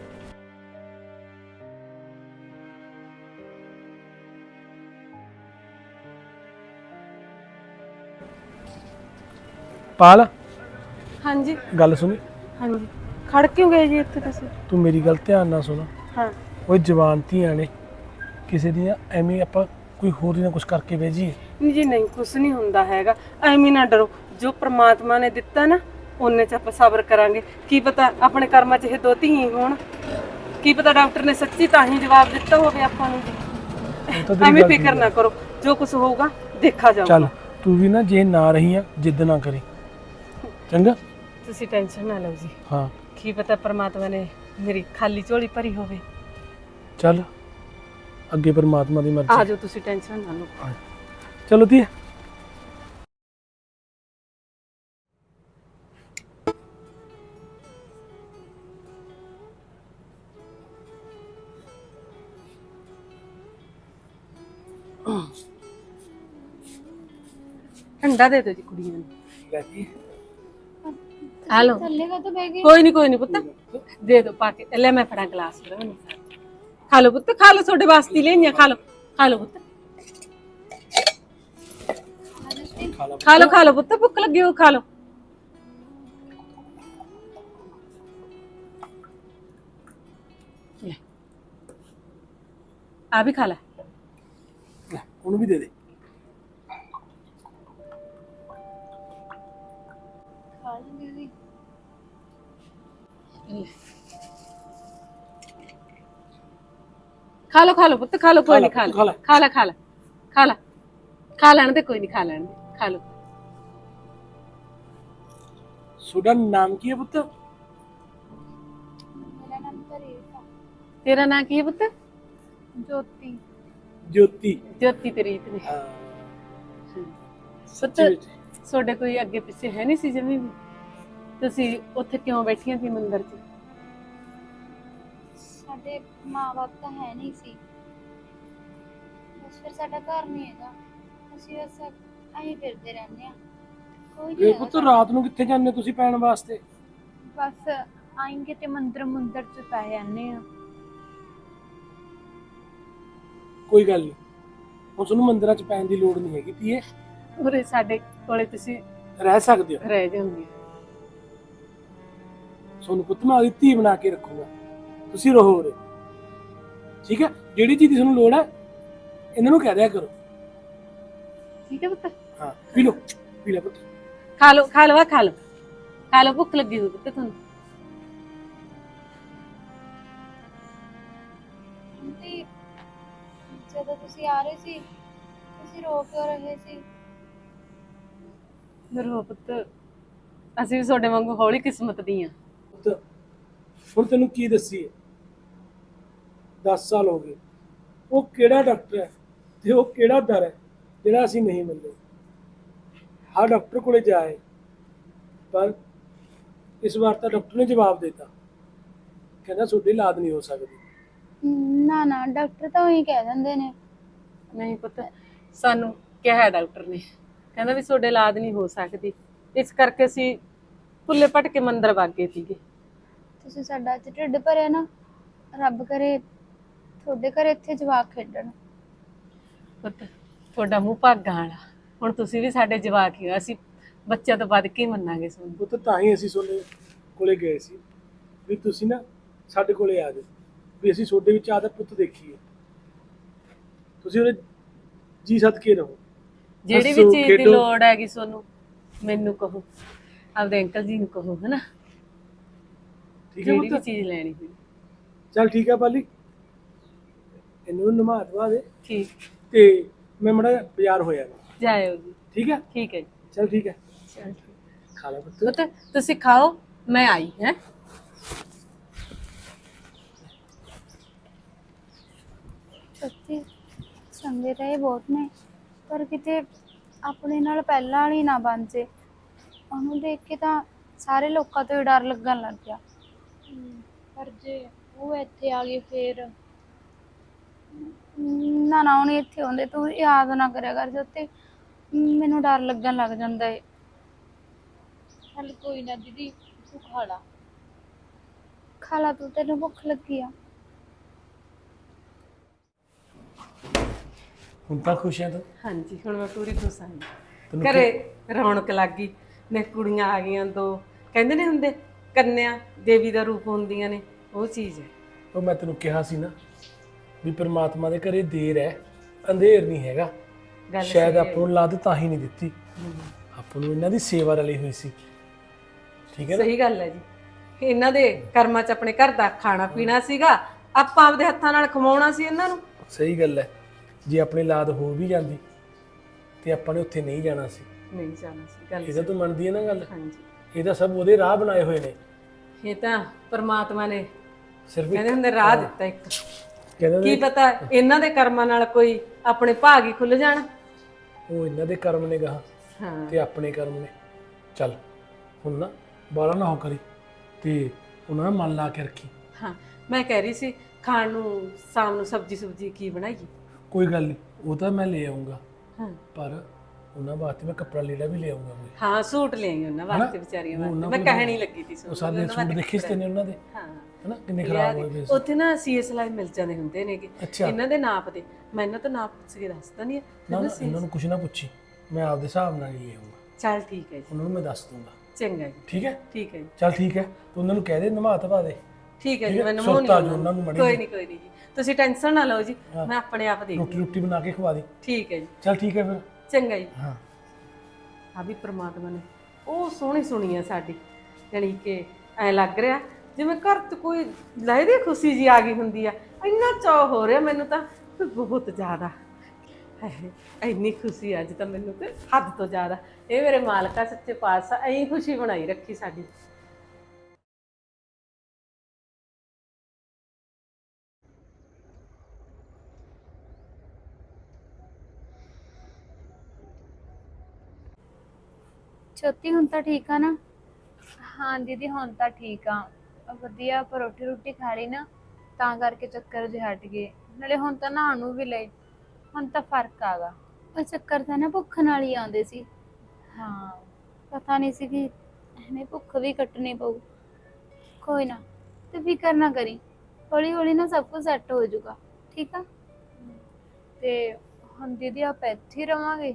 [SPEAKER 3] ਪਾਲ
[SPEAKER 4] ਹਾਂਜੀ
[SPEAKER 3] ਗੱਲ ਸੁਣੀ,
[SPEAKER 4] ਹਾਂਜੀ। ਖੜ ਕਿਉਂ ਗਏ ਜੀ ਇੱਥੇ ਤੁਸੀਂ?
[SPEAKER 3] ਤੂੰ ਮੇਰੀ ਗੱਲ ਧਿਆਨ ਨਾਲ ਸੁਣ।
[SPEAKER 4] ਹਾਂ
[SPEAKER 3] ਉਹ ਜਵਾਨ ਧੀਆਂ ਨੇ, ਕਿਸੇ ਦੀਆਂ ਐਵੇਂ ਆਪਾਂ ਕੋਈ ਹੋਰ ਹੀ ਨਾ ਕੁਝ ਕਰਕੇ ਭੇਜੀਏ।
[SPEAKER 4] ਨਹੀਂ ਜੀ ਨਹੀਂ, ਕੁਛ ਨਹੀਂ ਹੁੰਦਾ ਹੈਗਾ। ਐਵੇਂ ਨਾ ਡਰੋ, ਜੋ ਪ੍ਰਮਾਤਮਾ ਨੇ ਦਿੱਤਾ ਨਾ ਉਹਨੇ ਚ ਆਪਾਂ ਸਬਰ ਕਰਾਂਗੇ। ਕੀ ਪਤਾ ਆਪਣੇ ਕਰਮਾਂ ਚ ਇਹ ਦੋ ਧੀ ਹੋਣ, ਕੀ ਪਤਾ ਡਾਕਟਰ ਨੇ ਸੱਚੀ ਤਾਂ ਹੀ ਜਵਾਬ ਦਿੱਤਾ ਹੋਵੇ ਆਪਾਂ ਨੂੰ ਜੀ।
[SPEAKER 3] ਉਹ ਤਾਂ ਤੇਰੀ
[SPEAKER 4] ਐਵੇਂ
[SPEAKER 3] ਗੱਲ
[SPEAKER 4] ਫਿਕਰ ਨਾ ਕਰੋ, ਜੋ ਕੁਝ ਹੋਊਗਾ ਦੇਖਾ ਜਾਊਗਾ।
[SPEAKER 3] ਚੱਲ ਤੂੰ ਵੀ ਨਾ ਜੇ ਨਾ ਰਹੀ ਆ ਜਿੱਦ ਨਾ ਕਰੀ, ਚੰਗਾ?
[SPEAKER 4] ਤੁਸੀਂ ਟੈਨਸ਼ਨ ਨਾ ਲਓ ਜੀ।
[SPEAKER 3] ਹਾਂ
[SPEAKER 4] ਕੀ ਪਤਾ ਪ੍ਰਮਾਤਮਾ ਨੇ ਮੇਰੀ ਖਾਲੀ ਝੋਲੀ ਭਰੀ ਹੋਵੇ।
[SPEAKER 3] ਚੱਲ ਅੱਗੇ ਪਰਮਾਤਮਾ ਦੀ
[SPEAKER 4] ਆ
[SPEAKER 3] ਮਰਜ਼ੀ।
[SPEAKER 4] ਜਾਓ, ਤੁਸੀਂ ਟੈਨਸ਼ਨ ਨਾ ਲਓ।
[SPEAKER 3] ਚਲੋ ਧੀਏ।
[SPEAKER 4] ਠੰਡਾ ਦੇ ਦਿਓ ਜੀ ਕੁੜੀਆਂ ਨੂੰ।
[SPEAKER 3] ਲੈ ਜੀ
[SPEAKER 4] ਆ ਲਓ।
[SPEAKER 1] ਥੱਲੇ ਕਾ ਤਾਂ ਬਹਿ ਗਈ।
[SPEAKER 4] ਕੋਈ ਨਹੀਂ ਕੋਈ ਨਹੀਂ ਪੁੱਤ, ਦੇ ਦੋ ਪਾ ਕੇ। ਲੈ ਮੈਂ ਫੜਾ ਗਲਾਸ ਫੜਾ ਮੈਨੂੰ। ਖਾ ਲਓ ਪੁੱਤ, ਖਾ ਲਓ, ਤੁਹਾਡੇ ਵਾਸਤੇ ਲੈਣੀਆਂ। ਖਾ ਲਓ ਖਾ ਲਓ ਪੁੱਤ, ਖਾ ਲਓ ਖਾ ਲਓ ਪੁੱਤ, ਭੁੱਖ ਲੱਗੀ ਹੋ ਖਾ ਲਓ। ਲੈ, ਆ ਵੀ ਖਾ ਲੈ।
[SPEAKER 3] ਲੈ, ਉਹਨੂੰ ਵੀ ਦੇ ਦੇ।
[SPEAKER 1] ਖਾ ਲਈ ਦੀਦੀ।
[SPEAKER 4] ਖਾ ਲਓ ਖਾ ਲਓ ਪੁੱਤ, ਖਾ ਲਓ, ਕੋਈ ਨਹੀਂ। ਖਾ
[SPEAKER 3] ਖਾ
[SPEAKER 4] ਲੈ
[SPEAKER 3] ਲੈ।
[SPEAKER 4] ਖਾ ਲੈ ਖਾ ਲੈ ਖਾ ਲੈ ਖਾ ਲੈਣ ਦੇ, ਕੋਈ ਨਹੀਂ, ਖਾ ਲੈਣ ਦੇ, ਖਾ ਲਓ।
[SPEAKER 3] ਤੁਹਾਡਾ ਨਾਮ ਕੀ ਹੈ ਪੁੱਤ?
[SPEAKER 1] ਮੇਰਾ ਨਾਮ ਤਾਂ ਰੇਖਾ।
[SPEAKER 4] ਤੇਰਾ ਨਾਂ ਕੀ ਹੈ ਪੁੱਤ?
[SPEAKER 1] ਜੋਤੀ।
[SPEAKER 3] ਜੋਤੀ।
[SPEAKER 4] ਜੋਤੀ ਤੇ ਰੀਤ ਨੇ।
[SPEAKER 3] ਹਾਂ
[SPEAKER 4] ਪੁੱਤ
[SPEAKER 3] ਸੱਚੀ ਵਿੱਚ।
[SPEAKER 4] ਤੁਹਾਡੇ ਕੋਈ ਅੱਗੇ ਪਿੱਛੇ ਹੈ ਨਹੀਂ ਸੀ ਜਮੀ ਵੀ? ਤੁਸੀਂ ਉੱਥੇ ਕਿਉਂ ਬੈਠੀਆਂ ਸੀ ਮੰਦਿਰ 'ਚ?
[SPEAKER 1] ਸਾਡੇ ਮਾਂ-ਬਾਪ ਤਾਂ ਹੈ ਨਹੀਂ ਸੀ, ਬਸ ਫਿਰ ਸਾਡਾ ਘਰ ਨਹੀਂ ਹੈਗਾ, ਅਸੀਂ ਬਸ ਐਂ ਫਿਰਦੇ ਰਹਿੰਦੇ ਆ। ਕੋਈ ਨਹੀਂ
[SPEAKER 3] ਇਹ
[SPEAKER 1] ਹੈਗਾ
[SPEAKER 3] ਪੁੱਤ ਰਾਤ ਨੂੰ ਕਿੱਥੇ ਜਾਂਦੇ ਤੁਸੀਂ ਪੈਣ ਵਾਸਤੇ?
[SPEAKER 1] ਬਸ ਆਏਂਗੇ ਤੇ ਮੰਦਰ ਮੰਦਰ ਚ ਪੈ ਜਾਂਦੇ ਆ।
[SPEAKER 3] ਕੋਈ ਗੱਲ ਨਹੀਂ, ਹੁਣ ਤੁਹਾਨੂੰ ਮੰਦਿਰਾਂ 'ਚ ਪੈਣ ਦੀ ਲੋੜ ਨਹੀਂ ਹੈਗੀ ਧੀਏ,
[SPEAKER 4] ਉਰੇ ਸਾਡੇ ਕੋਲੇ ਤੁਸੀਂ
[SPEAKER 3] ਰਹਿ ਸਕਦੇ ਹੋ।
[SPEAKER 4] ਰਹਿ ਜਾਂਦੇ।
[SPEAKER 3] ਤੁਹਾਨੂੰ ਪੁੱਤ ਮੈਂ ਆਪਣੀ ਧੀ ਬਣਾ ਕੇ ਰੱਖੂਗਾ, ਤੁਸੀਂ ਰਹੋ ਉਰੇ, ਠੀਕ ਹੈ? ਜਿਹੜੀ ਚੀਜ਼ ਦੀ ਤੁਹਾਨੂੰ ਲੋੜ ਹੈ ਇਹਨਾਂ ਨੂੰ ਕਹਿ ਦਿਆ ਕਰੋ।
[SPEAKER 4] ਠੀਕ ਹੈ ਪੁੱਤ?
[SPEAKER 3] ਹਾਂ ਪੀ ਲਓ, ਪੀ ਲੈ ਪੁੱਤ।
[SPEAKER 4] ਖਾ ਲਓ ਖਾ ਲਓ ਆ ਖਾ ਲਓ ਖਾ ਲਓ, ਭੁੱਖ ਲੱਗੀ ਹੋਈ ਪੁੱਤ ਤੁਹਾਨੂੰ।
[SPEAKER 1] ਆਂਟੀ, ਜਦੋਂ ਤੁਸੀਂ ਆ ਰਹੇ ਸੀ ਤੁਸੀਂ ਰੋ ਕਿਉਂ ਰਹੇ ਸੀ?
[SPEAKER 4] ਰੋ ਪੁੱਤ, ਅਸੀਂ ਵੀ ਤੁਹਾਡੇ ਵਾਂਗੂ ਹੌਲੀ ਕਿਸਮਤ ਦੀਆਂ।
[SPEAKER 3] ਪੁੱਤ ਹੁਣ ਤੈਨੂੰ ਕੀ ਦੱਸੀਏ, ਦਸ ਸਾਲ ਹੋ ਗਏ। ਉਹ ਕਿਹੜਾ ਡਾਕਟਰ ਹੈ ਤੇ ਉਹ ਕਿਹੜਾ ਦਰ ਹੈ ਜਿਹੜਾ ਅਸੀਂ ਨਹੀਂ ਮੰਨਦੇ। ਹਰ ਡਾਕਟਰ ਕੋਲੇ ਜਾਏ, ਪਰ ਇਸ ਵਾਰ ਤਾਂ ਡਾਕਟਰ ਨੇ ਜਵਾਬ ਦਿੱਤਾ, ਕਹਿੰਦਾ ਤੁਹਾਡੀ ਇਲਾਜ ਨਹੀਂ ਹੋ ਸਕਦੀ।
[SPEAKER 1] ਨਾ ਨਾ, ਡਾਕਟਰ ਤਾਂ ਉਹੀ ਕਹਿ ਦਿੰਦੇ ਨੇ।
[SPEAKER 4] ਨਹੀਂ ਪੁੱਤ, ਸਾਨੂੰ ਕਿਹਾ ਡਾਕਟਰ ਨੇ, ਕਹਿੰਦਾ ਵੀ ਤੁਹਾਡੇ ਇਲਾਜ ਨਹੀਂ ਹੋ ਸਕਦੀ, ਇਸ ਕਰਕੇ ਅਸੀਂ ਭੁੱਲੇ ਭਟਕੇ ਮੰਦਰ ਵਗ ਗਏ ਸੀਗੇ।
[SPEAKER 1] ਤੁਸੀਂ ਸਾਡਾ ਅੱਜ ਢਿੱਡ ਭਰਿਆ ਨਾ, ਰੱਬ ਕਰੇ ਤੁਹਾਡੇ ਘਰੇ ਇੱਥੇ ਜਵਾਕ ਖੇਡਣ।
[SPEAKER 4] ਪੁੱਤ ਤੁਹਾਡਾ ਮੂੰਹ ਭਾਗਾਂ ਵਾਲਾ, ਹੁਣ ਤੁਸੀਂ ਵੀ ਸਾਡੇ ਜਵਾਕ ਹੀ ਹੋ, ਅਸੀਂ ਬੱਚਿਆਂ ਤੋਂ ਵੱਧ ਕੇ ਹੀ ਮੰਨਾਂਗੇ ਤੁਹਾਨੂੰ।
[SPEAKER 3] ਪੁੱਤ ਤਾਂ ਹੀ ਅਸੀਂ ਤੁਹਾਡੇ ਕੋਲੇ ਗਏ ਸੀ ਵੀ ਤੁਸੀਂ ਨਾ ਸਾਡੇ ਕੋਲੇ ਆ ਜਾਓ, ਵੀ ਅਸੀਂ ਤੁਹਾਡੇ ਵਿੱਚ ਆਦਤ ਪੁੱਤ ਦੇਖੀਏ, ਤੁਸੀਂ ਉਹਦੇ ਜੀ ਸਦਕੇ ਰਹੋ।
[SPEAKER 4] ਜਿਹੜੀ ਵੀ
[SPEAKER 3] ਹੱਸੋ,
[SPEAKER 4] ਚੀਜ਼ ਦੀ
[SPEAKER 3] ਖੇਡੋ।
[SPEAKER 4] ਲੋੜ ਹੈਗੀ ਤੁਹਾਨੂੰ ਮੈਨੂੰ ਕਹੋ, ਆਪਦੇ ਅੰਕਲ ਜੀ ਨੂੰ ਕਹੋ, ਹਨਾ?
[SPEAKER 3] ਠੀਕ ਹੈ
[SPEAKER 4] ਜਿਹੜੀ ਵੀ
[SPEAKER 3] ਪੁੱਤ?
[SPEAKER 4] ਚੀਜ਼ ਲੈਣੀ ਹੋਈ।
[SPEAKER 3] ਚੱਲ ਠੀਕ ਹੈ ਪਾਲੀ, ਇਹਨੂੰ ਨਮਾ ਦਵਾ ਦੇ
[SPEAKER 4] ਠੀਕ,
[SPEAKER 3] ਤੇ ਮੈਂ ਮੜਾ ਬਾਜ਼ਾਰ ਹੋਇਆ,
[SPEAKER 4] ਜਾਇਓ ਜੀ।
[SPEAKER 3] ਠੀਕ ਹੈ?
[SPEAKER 4] ਠੀਕ ਹੈ ਜੀ,
[SPEAKER 3] ਚਲ ਠੀਕ ਹੈ,
[SPEAKER 4] ਚਲ ਠੀਕ।
[SPEAKER 3] ਖਾ ਲੈ ਪੁੱਤ।
[SPEAKER 4] ਪੁੱਤ ਤੁਸੀਂ ਖਾਓ, ਮੈਂ ਆਈ ਹੈ।
[SPEAKER 1] ਸੱਚੀ ਚੰਗੇ ਤਾਂ ਇਹ ਬਹੁਤ ਨੇ, ਪਰ ਕਿਤੇ ਆਪਣੇ ਨਾਲ ਪਹਿਲਾਂ ਵਾਲੀ ਨਾ ਬਣ ਜੇ। ਉਹਨੂੰ ਦੇਖ ਕੇ ਤਾਂ ਸਾਰੇ ਲੋਕਾਂ ਤੋਂ ਹੀ ਡਰ ਲੱਗਣ ਲੱਗ ਗਿਆ। ਪਰ ਜੇ ਉਹ ਇੱਥੇ ਆ ਗਈ ਫੇਰ ਨਾ ਨਾ ਉਹਨੇ ਇੱਥੇ ਆਉਂਦੇ ਤੂੰ ਯਾਦ ਨਾ ਕਰਿਆ ਕਰ ਜੋਤੇ, ਮੈਨੂੰ ਡਰ ਲੱਗਣ ਲੱਗ ਜਾਂਦਾ ਏ। ਚੱਲ ਕੋਈ ਨਾ ਦੀਦੀ, ਤੂੰ ਖਾ ਲਾ ਖਾ ਲਾ ਤੂੰ, ਤੈਨੂੰ ਭੁੱਖ ਲੱਗੀ ਆ।
[SPEAKER 3] ਹੁਣ ਤਾਂ ਖੁਸ਼ ਹੈ ਤੂੰ?
[SPEAKER 4] ਹਾਂਜੀ ਹੁਣ ਮੈਂ ਪੂਰੀ ਖੁਸ਼ ਹਾਂ।
[SPEAKER 3] ਤੈਨੂੰ
[SPEAKER 4] ਘਰੇ ਰੌਣਕ ਲੱਗ ਗਈ ਨੇ, ਕੁੜੀਆਂ ਆ ਗਈਆਂ ਦੋ, ਕਹਿੰਦੇ ਨੇ ਹੁੰਦੇ ਕੰਨਿਆ ਦੇਵੀ ਦਾ ਰੂਪ ਹੁੰਦੀਆਂ ਨੇ, ਉਹ ਚੀਜ਼ ਹੈ।
[SPEAKER 3] ਉਹ ਮੈਂ ਤੈਨੂੰ ਕਿਹਾ ਸੀ ਨਾ ਵੀ ਪ੍ਰਮਾਤਮਾ ਦੇ ਘਰੇ ਦੇਰ ਹੈ, ਅੰਧੇਰ ਨਹੀਂ ਹੈਗਾ।
[SPEAKER 4] ਗੱਲ
[SPEAKER 3] ਸ਼ਾਇਦ ਆਪਾਂ ਨੂੰ ਲੱਦ ਤਾਂ ਹੀ ਨਹੀਂ ਦਿੱਤੀ, ਆਪਾਂ ਨੂੰ ਇਹਨਾਂ ਦੀ ਸੇਵਾ ਰਲੀ ਹੋਈ ਸੀ। ਠੀਕ ਹੈ ਨਾ?
[SPEAKER 4] ਸਹੀ ਗੱਲ ਹੈ ਜੀ, ਇਹਨਾਂ ਦੇ ਕਰਮਾਂ 'ਚ ਆਪਣੇ ਘਰ ਦਾ ਖਾਣਾ ਪੀਣਾ ਸੀਗਾ, ਆਪਾਂ ਆਪਦੇ ਹੱਥਾਂ ਨਾਲ ਕਮਾਉਣਾ ਸੀ ਇਹਨਾਂ ਨੂੰ।
[SPEAKER 3] ਸਹੀ ਗੱਲ ਹੈ। ਜੇ ਆਪਣੀ ਲਾਦ ਹੋ ਵੀ ਜਾਂਦੀ ਤੇ ਆਪਾਂ ਨੇ ਉੱਥੇ ਨਹੀਂ ਜਾਣਾ ਸੀ।
[SPEAKER 4] ਨਹੀਂ ਜਾਣਾ ਸੀ, ਗੱਲ
[SPEAKER 3] ਇਹਦਾ ਤੂੰ ਮੰਨਦੀ ਹੈ ਨਾ ਗੱਲ?
[SPEAKER 4] ਹਾਂਜੀ,
[SPEAKER 3] ਇਹ ਤਾਂ ਸਭ ਉਹਦੇ ਰਾਹ ਬਣਾਏ ਹੋਏ ਨੇ।
[SPEAKER 4] ਇਹ ਤਾਂ ਪਰਮਾਤਮਾ ਨੇ
[SPEAKER 3] ਸਿਰਫ
[SPEAKER 4] ਕਹਿੰਦੇ ਹੁੰਦੇ ਰਾਹ ਦਿੱਤਾ ਇੱਕ,
[SPEAKER 3] ਕਹਿੰਦੇ
[SPEAKER 4] ਕੀ ਪਤਾ ਇਹਨਾਂ ਦੇ ਕਰਮਾਂ ਨਾਲ ਕੋਈ ਆਪਣੇ ਭਾਗ ਹੀ ਖੁੱਲ ਜਾਣ।
[SPEAKER 3] ਉਹ ਇਹਨਾਂ ਦੇ ਕਰਮ ਨੇ ਗਾਹਾਂ
[SPEAKER 4] ਹਾਂ
[SPEAKER 3] ਤੇ ਆਪਣੇ ਕਰਮ ਨੇ। ਚੱਲ ਹੁਣ ਨਾ ਬਾਲਾ ਨਾ ਹੋ ਕਰੀ ਤੇ ਉਹਨਾਂ ਦਾ ਮਨ ਲਾ ਕੇ ਰੱਖੀ।
[SPEAKER 4] ਹਾਂ, ਮੈਂ ਕਹਿ ਰਹੀ ਸੀ ਖਾਣ ਨੂੰ ਸ਼ਾਮ ਨੂੰ ਸਬਜੀ ਸੁਬਜੀ ਕੀ ਬਣਾਈਏ?
[SPEAKER 3] ਕੋਈ ਗੱਲ ਨਹੀਂ, ਉਹ ਤਾਂ ਮੈਂ ਲੈ ਆਉਂਗਾ,
[SPEAKER 4] ਹਾਂ
[SPEAKER 3] ਪਰ ਉਹਨਾਂ ਵਾਸਤੇ ਮੈਂ ਕੱਪੜਾ ਲੀੜਾ ਵੀ ਲੈ ਆਉਂਗਾ ਕੋਈ।
[SPEAKER 4] ਹਾਂ ਸੂਟ ਲੈ ਆਈ ਉਹਨਾਂ ਵਾਸਤੇ, ਵਿਚਾਰੀਆਂ
[SPEAKER 3] ਉਹ
[SPEAKER 4] ਵਾਸਤੇ
[SPEAKER 3] ਉਹਨਾਂ
[SPEAKER 4] ਮੈਂ
[SPEAKER 3] ਕੋਲ
[SPEAKER 4] ਕਹਿਣੀ ਲੱਗੀ ਸੀ
[SPEAKER 3] ਉਹ ਸਾਡੇ ਸੂਟ ਦੇਖੇ ਸੀ ਨੇ ਉਹਨਾਂ ਦੇ,
[SPEAKER 4] ਹਾਂ
[SPEAKER 3] ਹਨਾ ਕਿੰਨੇ ਖਰਾਬ ਹੋਏ ਪਏ ਸੀ।
[SPEAKER 4] ਉੱਥੇ ਨਾ ਸੀਏ ਸਿਲਾਈ ਮਿਲ ਜਾਂਦੇ ਹੁੰਦੇ ਨੇਗੇ
[SPEAKER 3] ਅੱਛਾ।
[SPEAKER 4] ਇਹਨਾਂ ਦੇ ਨਾਪ ਦੇ, ਮੈਂ ਇਹਨਾਂ ਤੋਂ ਨਾਪ ਪੁੱਛ ਕੇ ਦੱਸਦਾ ਨਹੀਂ।
[SPEAKER 3] ਨਾ ਨਾ ਇਹਨਾਂ ਨੂੰ ਕੁਛ ਨਾ ਪੁੱਛੀ, ਮੈਂ ਆਪਦੇ ਹਿਸਾਬ ਨਾਲ ਹੀ ਲੈ ਆਉਂਗਾ।
[SPEAKER 4] ਚੱਲ ਠੀਕ ਹੈ ਜੀ,
[SPEAKER 3] ਉਹਨਾਂ ਨੂੰ ਮੈਂ ਦੱਸ ਦੂੰਗਾ।
[SPEAKER 4] ਚੰਗਾ ਜੀ,
[SPEAKER 3] ਠੀਕ ਹੈ?
[SPEAKER 4] ਠੀਕ ਹੈ ਜੀ,
[SPEAKER 3] ਚੱਲ ਠੀਕ ਹੈ, ਤੂੰ ਉਹਨਾਂ ਨੂੰ ਕਹਿ ਦੇ ਨਮਾ ਧਵਾ ਦੇ।
[SPEAKER 4] ਠੀਕ ਹੈ ਜੀ,
[SPEAKER 3] ਠੀਕ ਹੈ,
[SPEAKER 4] ਮੈਂ ਨਮਾਉਣੀ
[SPEAKER 3] ਸੁਰਤ ਆ ਜਾਊ ਉਹਨਾਂ ਨੂੰ ਮਾੜੀ
[SPEAKER 4] ਕੋਈ
[SPEAKER 3] ਜਿਹੀ।
[SPEAKER 4] ਨਹੀਂ ਕੋਈ ਨਹੀਂ ਜੀ, ਤੁਸੀਂ ਟੈਨਸ਼ਨ ਨਾ ਲਓ ਜੀ, ਮੈਂ ਆਪਣੇ ਆਪ ਦੇਖ
[SPEAKER 3] ਰੋਟੀ ਰੋਟੀ ਬਣਾ ਕੇ ਖਵਾ ਦੇ।
[SPEAKER 4] ਠੀਕ ਹੈ ਜੀ,
[SPEAKER 3] ਚੱਲ ਠੀਕ ਹੈ ਫਿਰ।
[SPEAKER 4] ਚੰਗਾ ਜੀ।
[SPEAKER 3] ਹਾਂ
[SPEAKER 4] ਆ ਵੀ ਪ੍ਰਮਾਤਮਾ ਨੇ ਉਹ ਸੋਹਣੀ ਸੁਣੀ ਆ ਸਾਡੀ, ਜਾਣੀ ਕਿ ਐ ਲੱਗ ਰਿਹਾ ਜਿਵੇਂ ਘਰ 'ਚ ਕੋਈ ਲਹਿਦੀ ਖੁਸ਼ੀ ਜੀ ਆ ਗਈ ਹੁੰਦੀ ਆ। ਇੰਨਾ ਚਾਅ ਹੋ ਰਿਹਾ ਮੈਨੂੰ ਤਾਂ ਬਹੁਤ ਜ਼ਿਆਦਾ, ਹਾਏ ਇੰਨੀ ਖੁਸ਼ੀ ਅੱਜ ਤਾਂ ਮੈਨੂੰ ਤੇ ਹੱਦ ਤੋਂ ਜ਼ਿਆਦਾ। ਇਹ ਮੇਰੇ ਮਾਲਕਾ ਸੱਚੇ ਪਾਤਸ਼ਾਹ ਐਂ ਖੁਸ਼ੀ ਬਣਾਈ ਰੱਖੀ ਸਾਡੀ।
[SPEAKER 1] ਛੋਟੀ ਹੁਣ ਤਾਂ ਠੀਕ ਆ ਨਾ?
[SPEAKER 5] ਹਾਂ ਦੀਦੀ ਹੁਣ ਤਾਂ ਠੀਕ ਆ, ਵਧੀਆ ਪਰ ਰੋਟੀ ਰੋਟੀ ਖਾ ਲਈ ਨਾ, ਤਾਂ ਕਰਕੇ ਚੱਕਰ ਜਿਹੇ ਹਟ ਗਏ। ਨਾਲੇ ਹੁਣ ਤਾਂ ਨਹਾਉਣ ਨੂੰ ਵੀ ਲਈ, ਹੁਣ ਤਾਂ ਫਰਕ ਆਗਾ।
[SPEAKER 1] ਉਹ ਚੱਕਰ ਤਾਂ ਨਾ ਭੁੱਖ ਨਾਲ ਹੀ ਆਉਂਦੇ ਸੀ।
[SPEAKER 5] ਹਾਂ
[SPEAKER 1] ਪਤਾ ਨਹੀਂ ਸੀ ਕਿ ਐਵੇਂ ਭੁੱਖ ਵੀ ਕੱਟਣੀ ਪਊ। ਕੋਈ ਨਾ ਤੂੰ ਫਿਕਰ ਨਾ ਕਰੀ, ਹੌਲੀ ਹੌਲੀ ਨਾ ਸਭ ਕੁਝ ਸੈੱਟ ਹੋ ਜਾਊਗਾ। ਠੀਕ ਆ?
[SPEAKER 5] ਤੇ ਹੁਣ ਦੀਦੀ ਆਪਾਂ ਇੱਥੇ ਹੀ ਰਵਾਂਗੇ?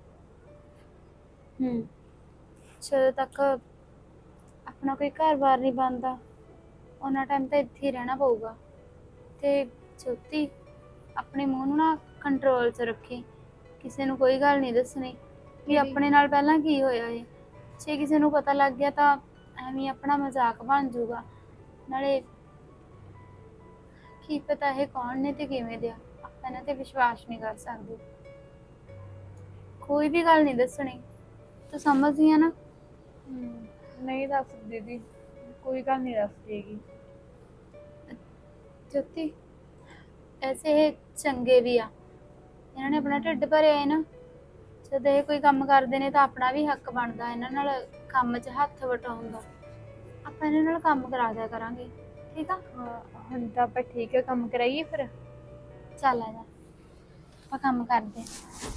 [SPEAKER 1] ਹੂੰ, ਜਦੋਂ ਤੱਕ ਆਪਣਾ ਕੋਈ ਘਰ-ਬਾਰ ਨਹੀਂ ਬਣਦਾ ਉਹਨਾਂ ਟਾਈਮ ਤਾਂ ਇੱਥੇ ਹੀ ਰਹਿਣਾ ਪਊਗਾ। ਤੇ ਜੋਤੀ ਆਪਣੇ ਮੂੰਹ ਨੂੰ ਨਾ ਕੰਟਰੋਲ 'ਚ ਰੱਖੀ, ਕਿਸੇ ਨੂੰ ਕੋਈ ਗੱਲ ਨਹੀਂ ਦੱਸਣੀ ਵੀ ਆਪਣੇ ਨਾਲ ਪਹਿਲਾਂ ਕੀ ਹੋਇਆ ਏ। ਜੇ ਕਿਸੇ ਨੂੰ ਪਤਾ ਲੱਗ ਗਿਆ ਤਾਂ ਐਵੇਂ ਆਪਣਾ ਮਜ਼ਾਕ ਬਣ ਜਾਊਗਾ। ਨਾਲੇ ਕੀ ਪਤਾ ਇਹ ਕੌਣ ਨੇ ਤੇ ਕਿਵੇਂ ਦੇ ਆ, ਆਪਾਂ ਇਹਨਾਂ ਤੇ ਵਿਸ਼ਵਾਸ ਨਹੀਂ ਕਰ ਸਕਦੇ। ਕੋਈ ਵੀ ਗੱਲ ਨਹੀਂ ਦੱਸਣੀ, ਤੂੰ ਸਮਝਦੀ ਆ ਨਾ?
[SPEAKER 5] ਹਮ, ਨਹੀਂ ਦੱਸ ਦੀਦੀ, ਕੋਈ ਗੱਲ ਨਹੀਂ ਦੱਸਦੀ ਹੈਗੀ।
[SPEAKER 1] ਜੋਤੀ ਐਸੇ ਇਹ ਚੰਗੇ ਵੀ ਆ, ਇਹਨਾਂ ਨੇ ਆਪਣਾ ਢਿੱਡ ਭਰਿਆ ਹੈ ਨਾ। ਜਦ ਇਹ ਕੋਈ ਕੰਮ ਕਰਦੇ ਨੇ ਤਾਂ ਆਪਣਾ ਵੀ ਹੱਕ ਬਣਦਾ ਇਹਨਾਂ ਨਾਲ ਕੰਮ 'ਚ ਹੱਥ ਵਟਾਉਣ ਦਾ। ਆਪਾਂ ਇਹਨਾਂ ਨਾਲ ਕੰਮ ਕਰਾ ਦਿਆ ਕਰਾਂਗੇ। ਠੀਕ ਆ?
[SPEAKER 5] ਹਾਂ ਹੁਣ ਤਾਂ ਆਪਾਂ ਠੀਕ ਹੈ, ਕੰਮ ਕਰਾਈਏ ਫਿਰ।
[SPEAKER 1] ਚੱਲ ਆ ਜਾ, ਆਪਾਂ ਕੰਮ ਕਰਦੇ ਹਾਂ।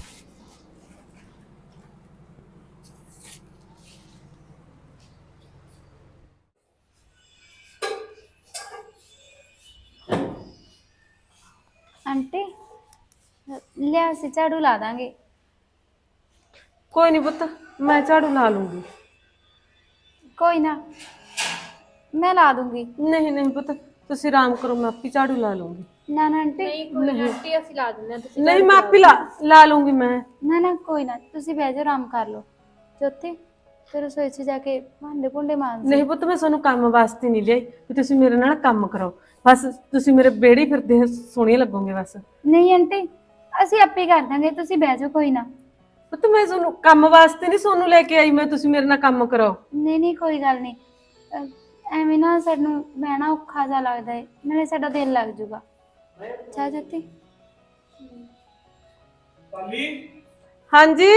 [SPEAKER 1] ਆਂਟੀ ਲਿਆ ਸੀ ਝਾੜੂ ਲਾ ਦਾਂਗੇ।
[SPEAKER 4] ਕੋਈ ਨਹੀਂ ਪੁੱਤ, ਮੈਂ ਝਾੜੂ ਲਾ ਲੂੰਗੀ।
[SPEAKER 1] ਕੋਈ ਨਾ ਮੈਂ ਲਾ ਦੂੰਗੀ।
[SPEAKER 4] ਨਹੀਂ ਨਹੀਂ ਪੁੱਤ, ਤੁਸੀਂ ਆਰਾਮ ਕਰੋ, ਮੈਂ ਆਪੇ ਝਾੜੂ ਲਾ ਲੂੰਗੀ।
[SPEAKER 1] ਨਾ ਨਾ ਆਂਟੀ,
[SPEAKER 5] ਕੋਈ ਨਾ ਆਂਟੀ, ਅਸੀਂ ਲਾ ਦਿੰਦੇ ਹਾਂ, ਤੁਸੀਂ
[SPEAKER 4] ਨਹੀਂ ਮੈਂ ਆਪੇ ਲਾ ਲਾ ਲੂੰਗੀ ਮੈਂ।
[SPEAKER 1] ਨਾ ਨਾ ਕੋਈ ਨਾ, ਤੁਸੀਂ ਬਹਿ ਜਾਓ, ਆਰਾਮ ਕਰ ਲਓ। ਜੋਤੀ ਫਿਰ ਰਸੋਈ 'ਚ ਜਾ ਕੇ ਭਾਂਡੇ ਭੁੰਡੇ ਮਾਂਜ।
[SPEAKER 4] ਨਹੀਂ ਪੁੱਤ, ਮੈਂ ਤੁਹਾਨੂੰ ਕੰਮ ਵਾਸਤੇ ਨਹੀਂ ਲਿਆਈ ਵੀ ਤੁਸੀਂ ਮੇਰੇ ਨਾਲ ਕੰਮ ਕਰੋ, ਬਸ ਤੁਸੀਂ ਮੇਰੇ ਬੇੜੀ ਫਿਰਦੇ ਸੋਹਣੇ ਲੱਗੋਗੇ ਬਸ।
[SPEAKER 1] ਨਹੀਂ ਆਂਟੀ, ਅਸੀਂ ਆਪੇ ਕਰ ਦਾਂਗੇ, ਤੁਸੀਂ ਬਹਿ ਜਾਓ ਕੋਈ ਨਾ।
[SPEAKER 4] ਪੁੱਤ ਮੈਂ ਤੁਹਾਨੂੰ ਕੰਮ ਵਾਸਤੇ ਨਹੀਂ ਸੋਨੂੰ ਲੈ ਕੇ ਆਈ, ਮੈਂ ਤੁਸੀਂ ਮੇਰੇ ਨਾਲ ਕੰਮ ਕਰਾਓ।
[SPEAKER 1] ਨਹੀਂ ਨਹੀਂ ਕੋਈ ਗੱਲ ਨਹੀਂ, ਅਹ, ਐਵੇਂ ਨਾ ਸਾਨੂੰ ਬਹਿਣਾ ਔਖਾ ਜਿਹਾ ਲੱਗਦਾ ਹੈ, ਨਾਲੇ ਸਾਡਾ ਦਿਲ ਲੱਗ ਜੂਗਾ। ਚਾਹ ਜੋਤੀ?
[SPEAKER 3] ਪਾਲੀ
[SPEAKER 4] ਹਾਂਜੀ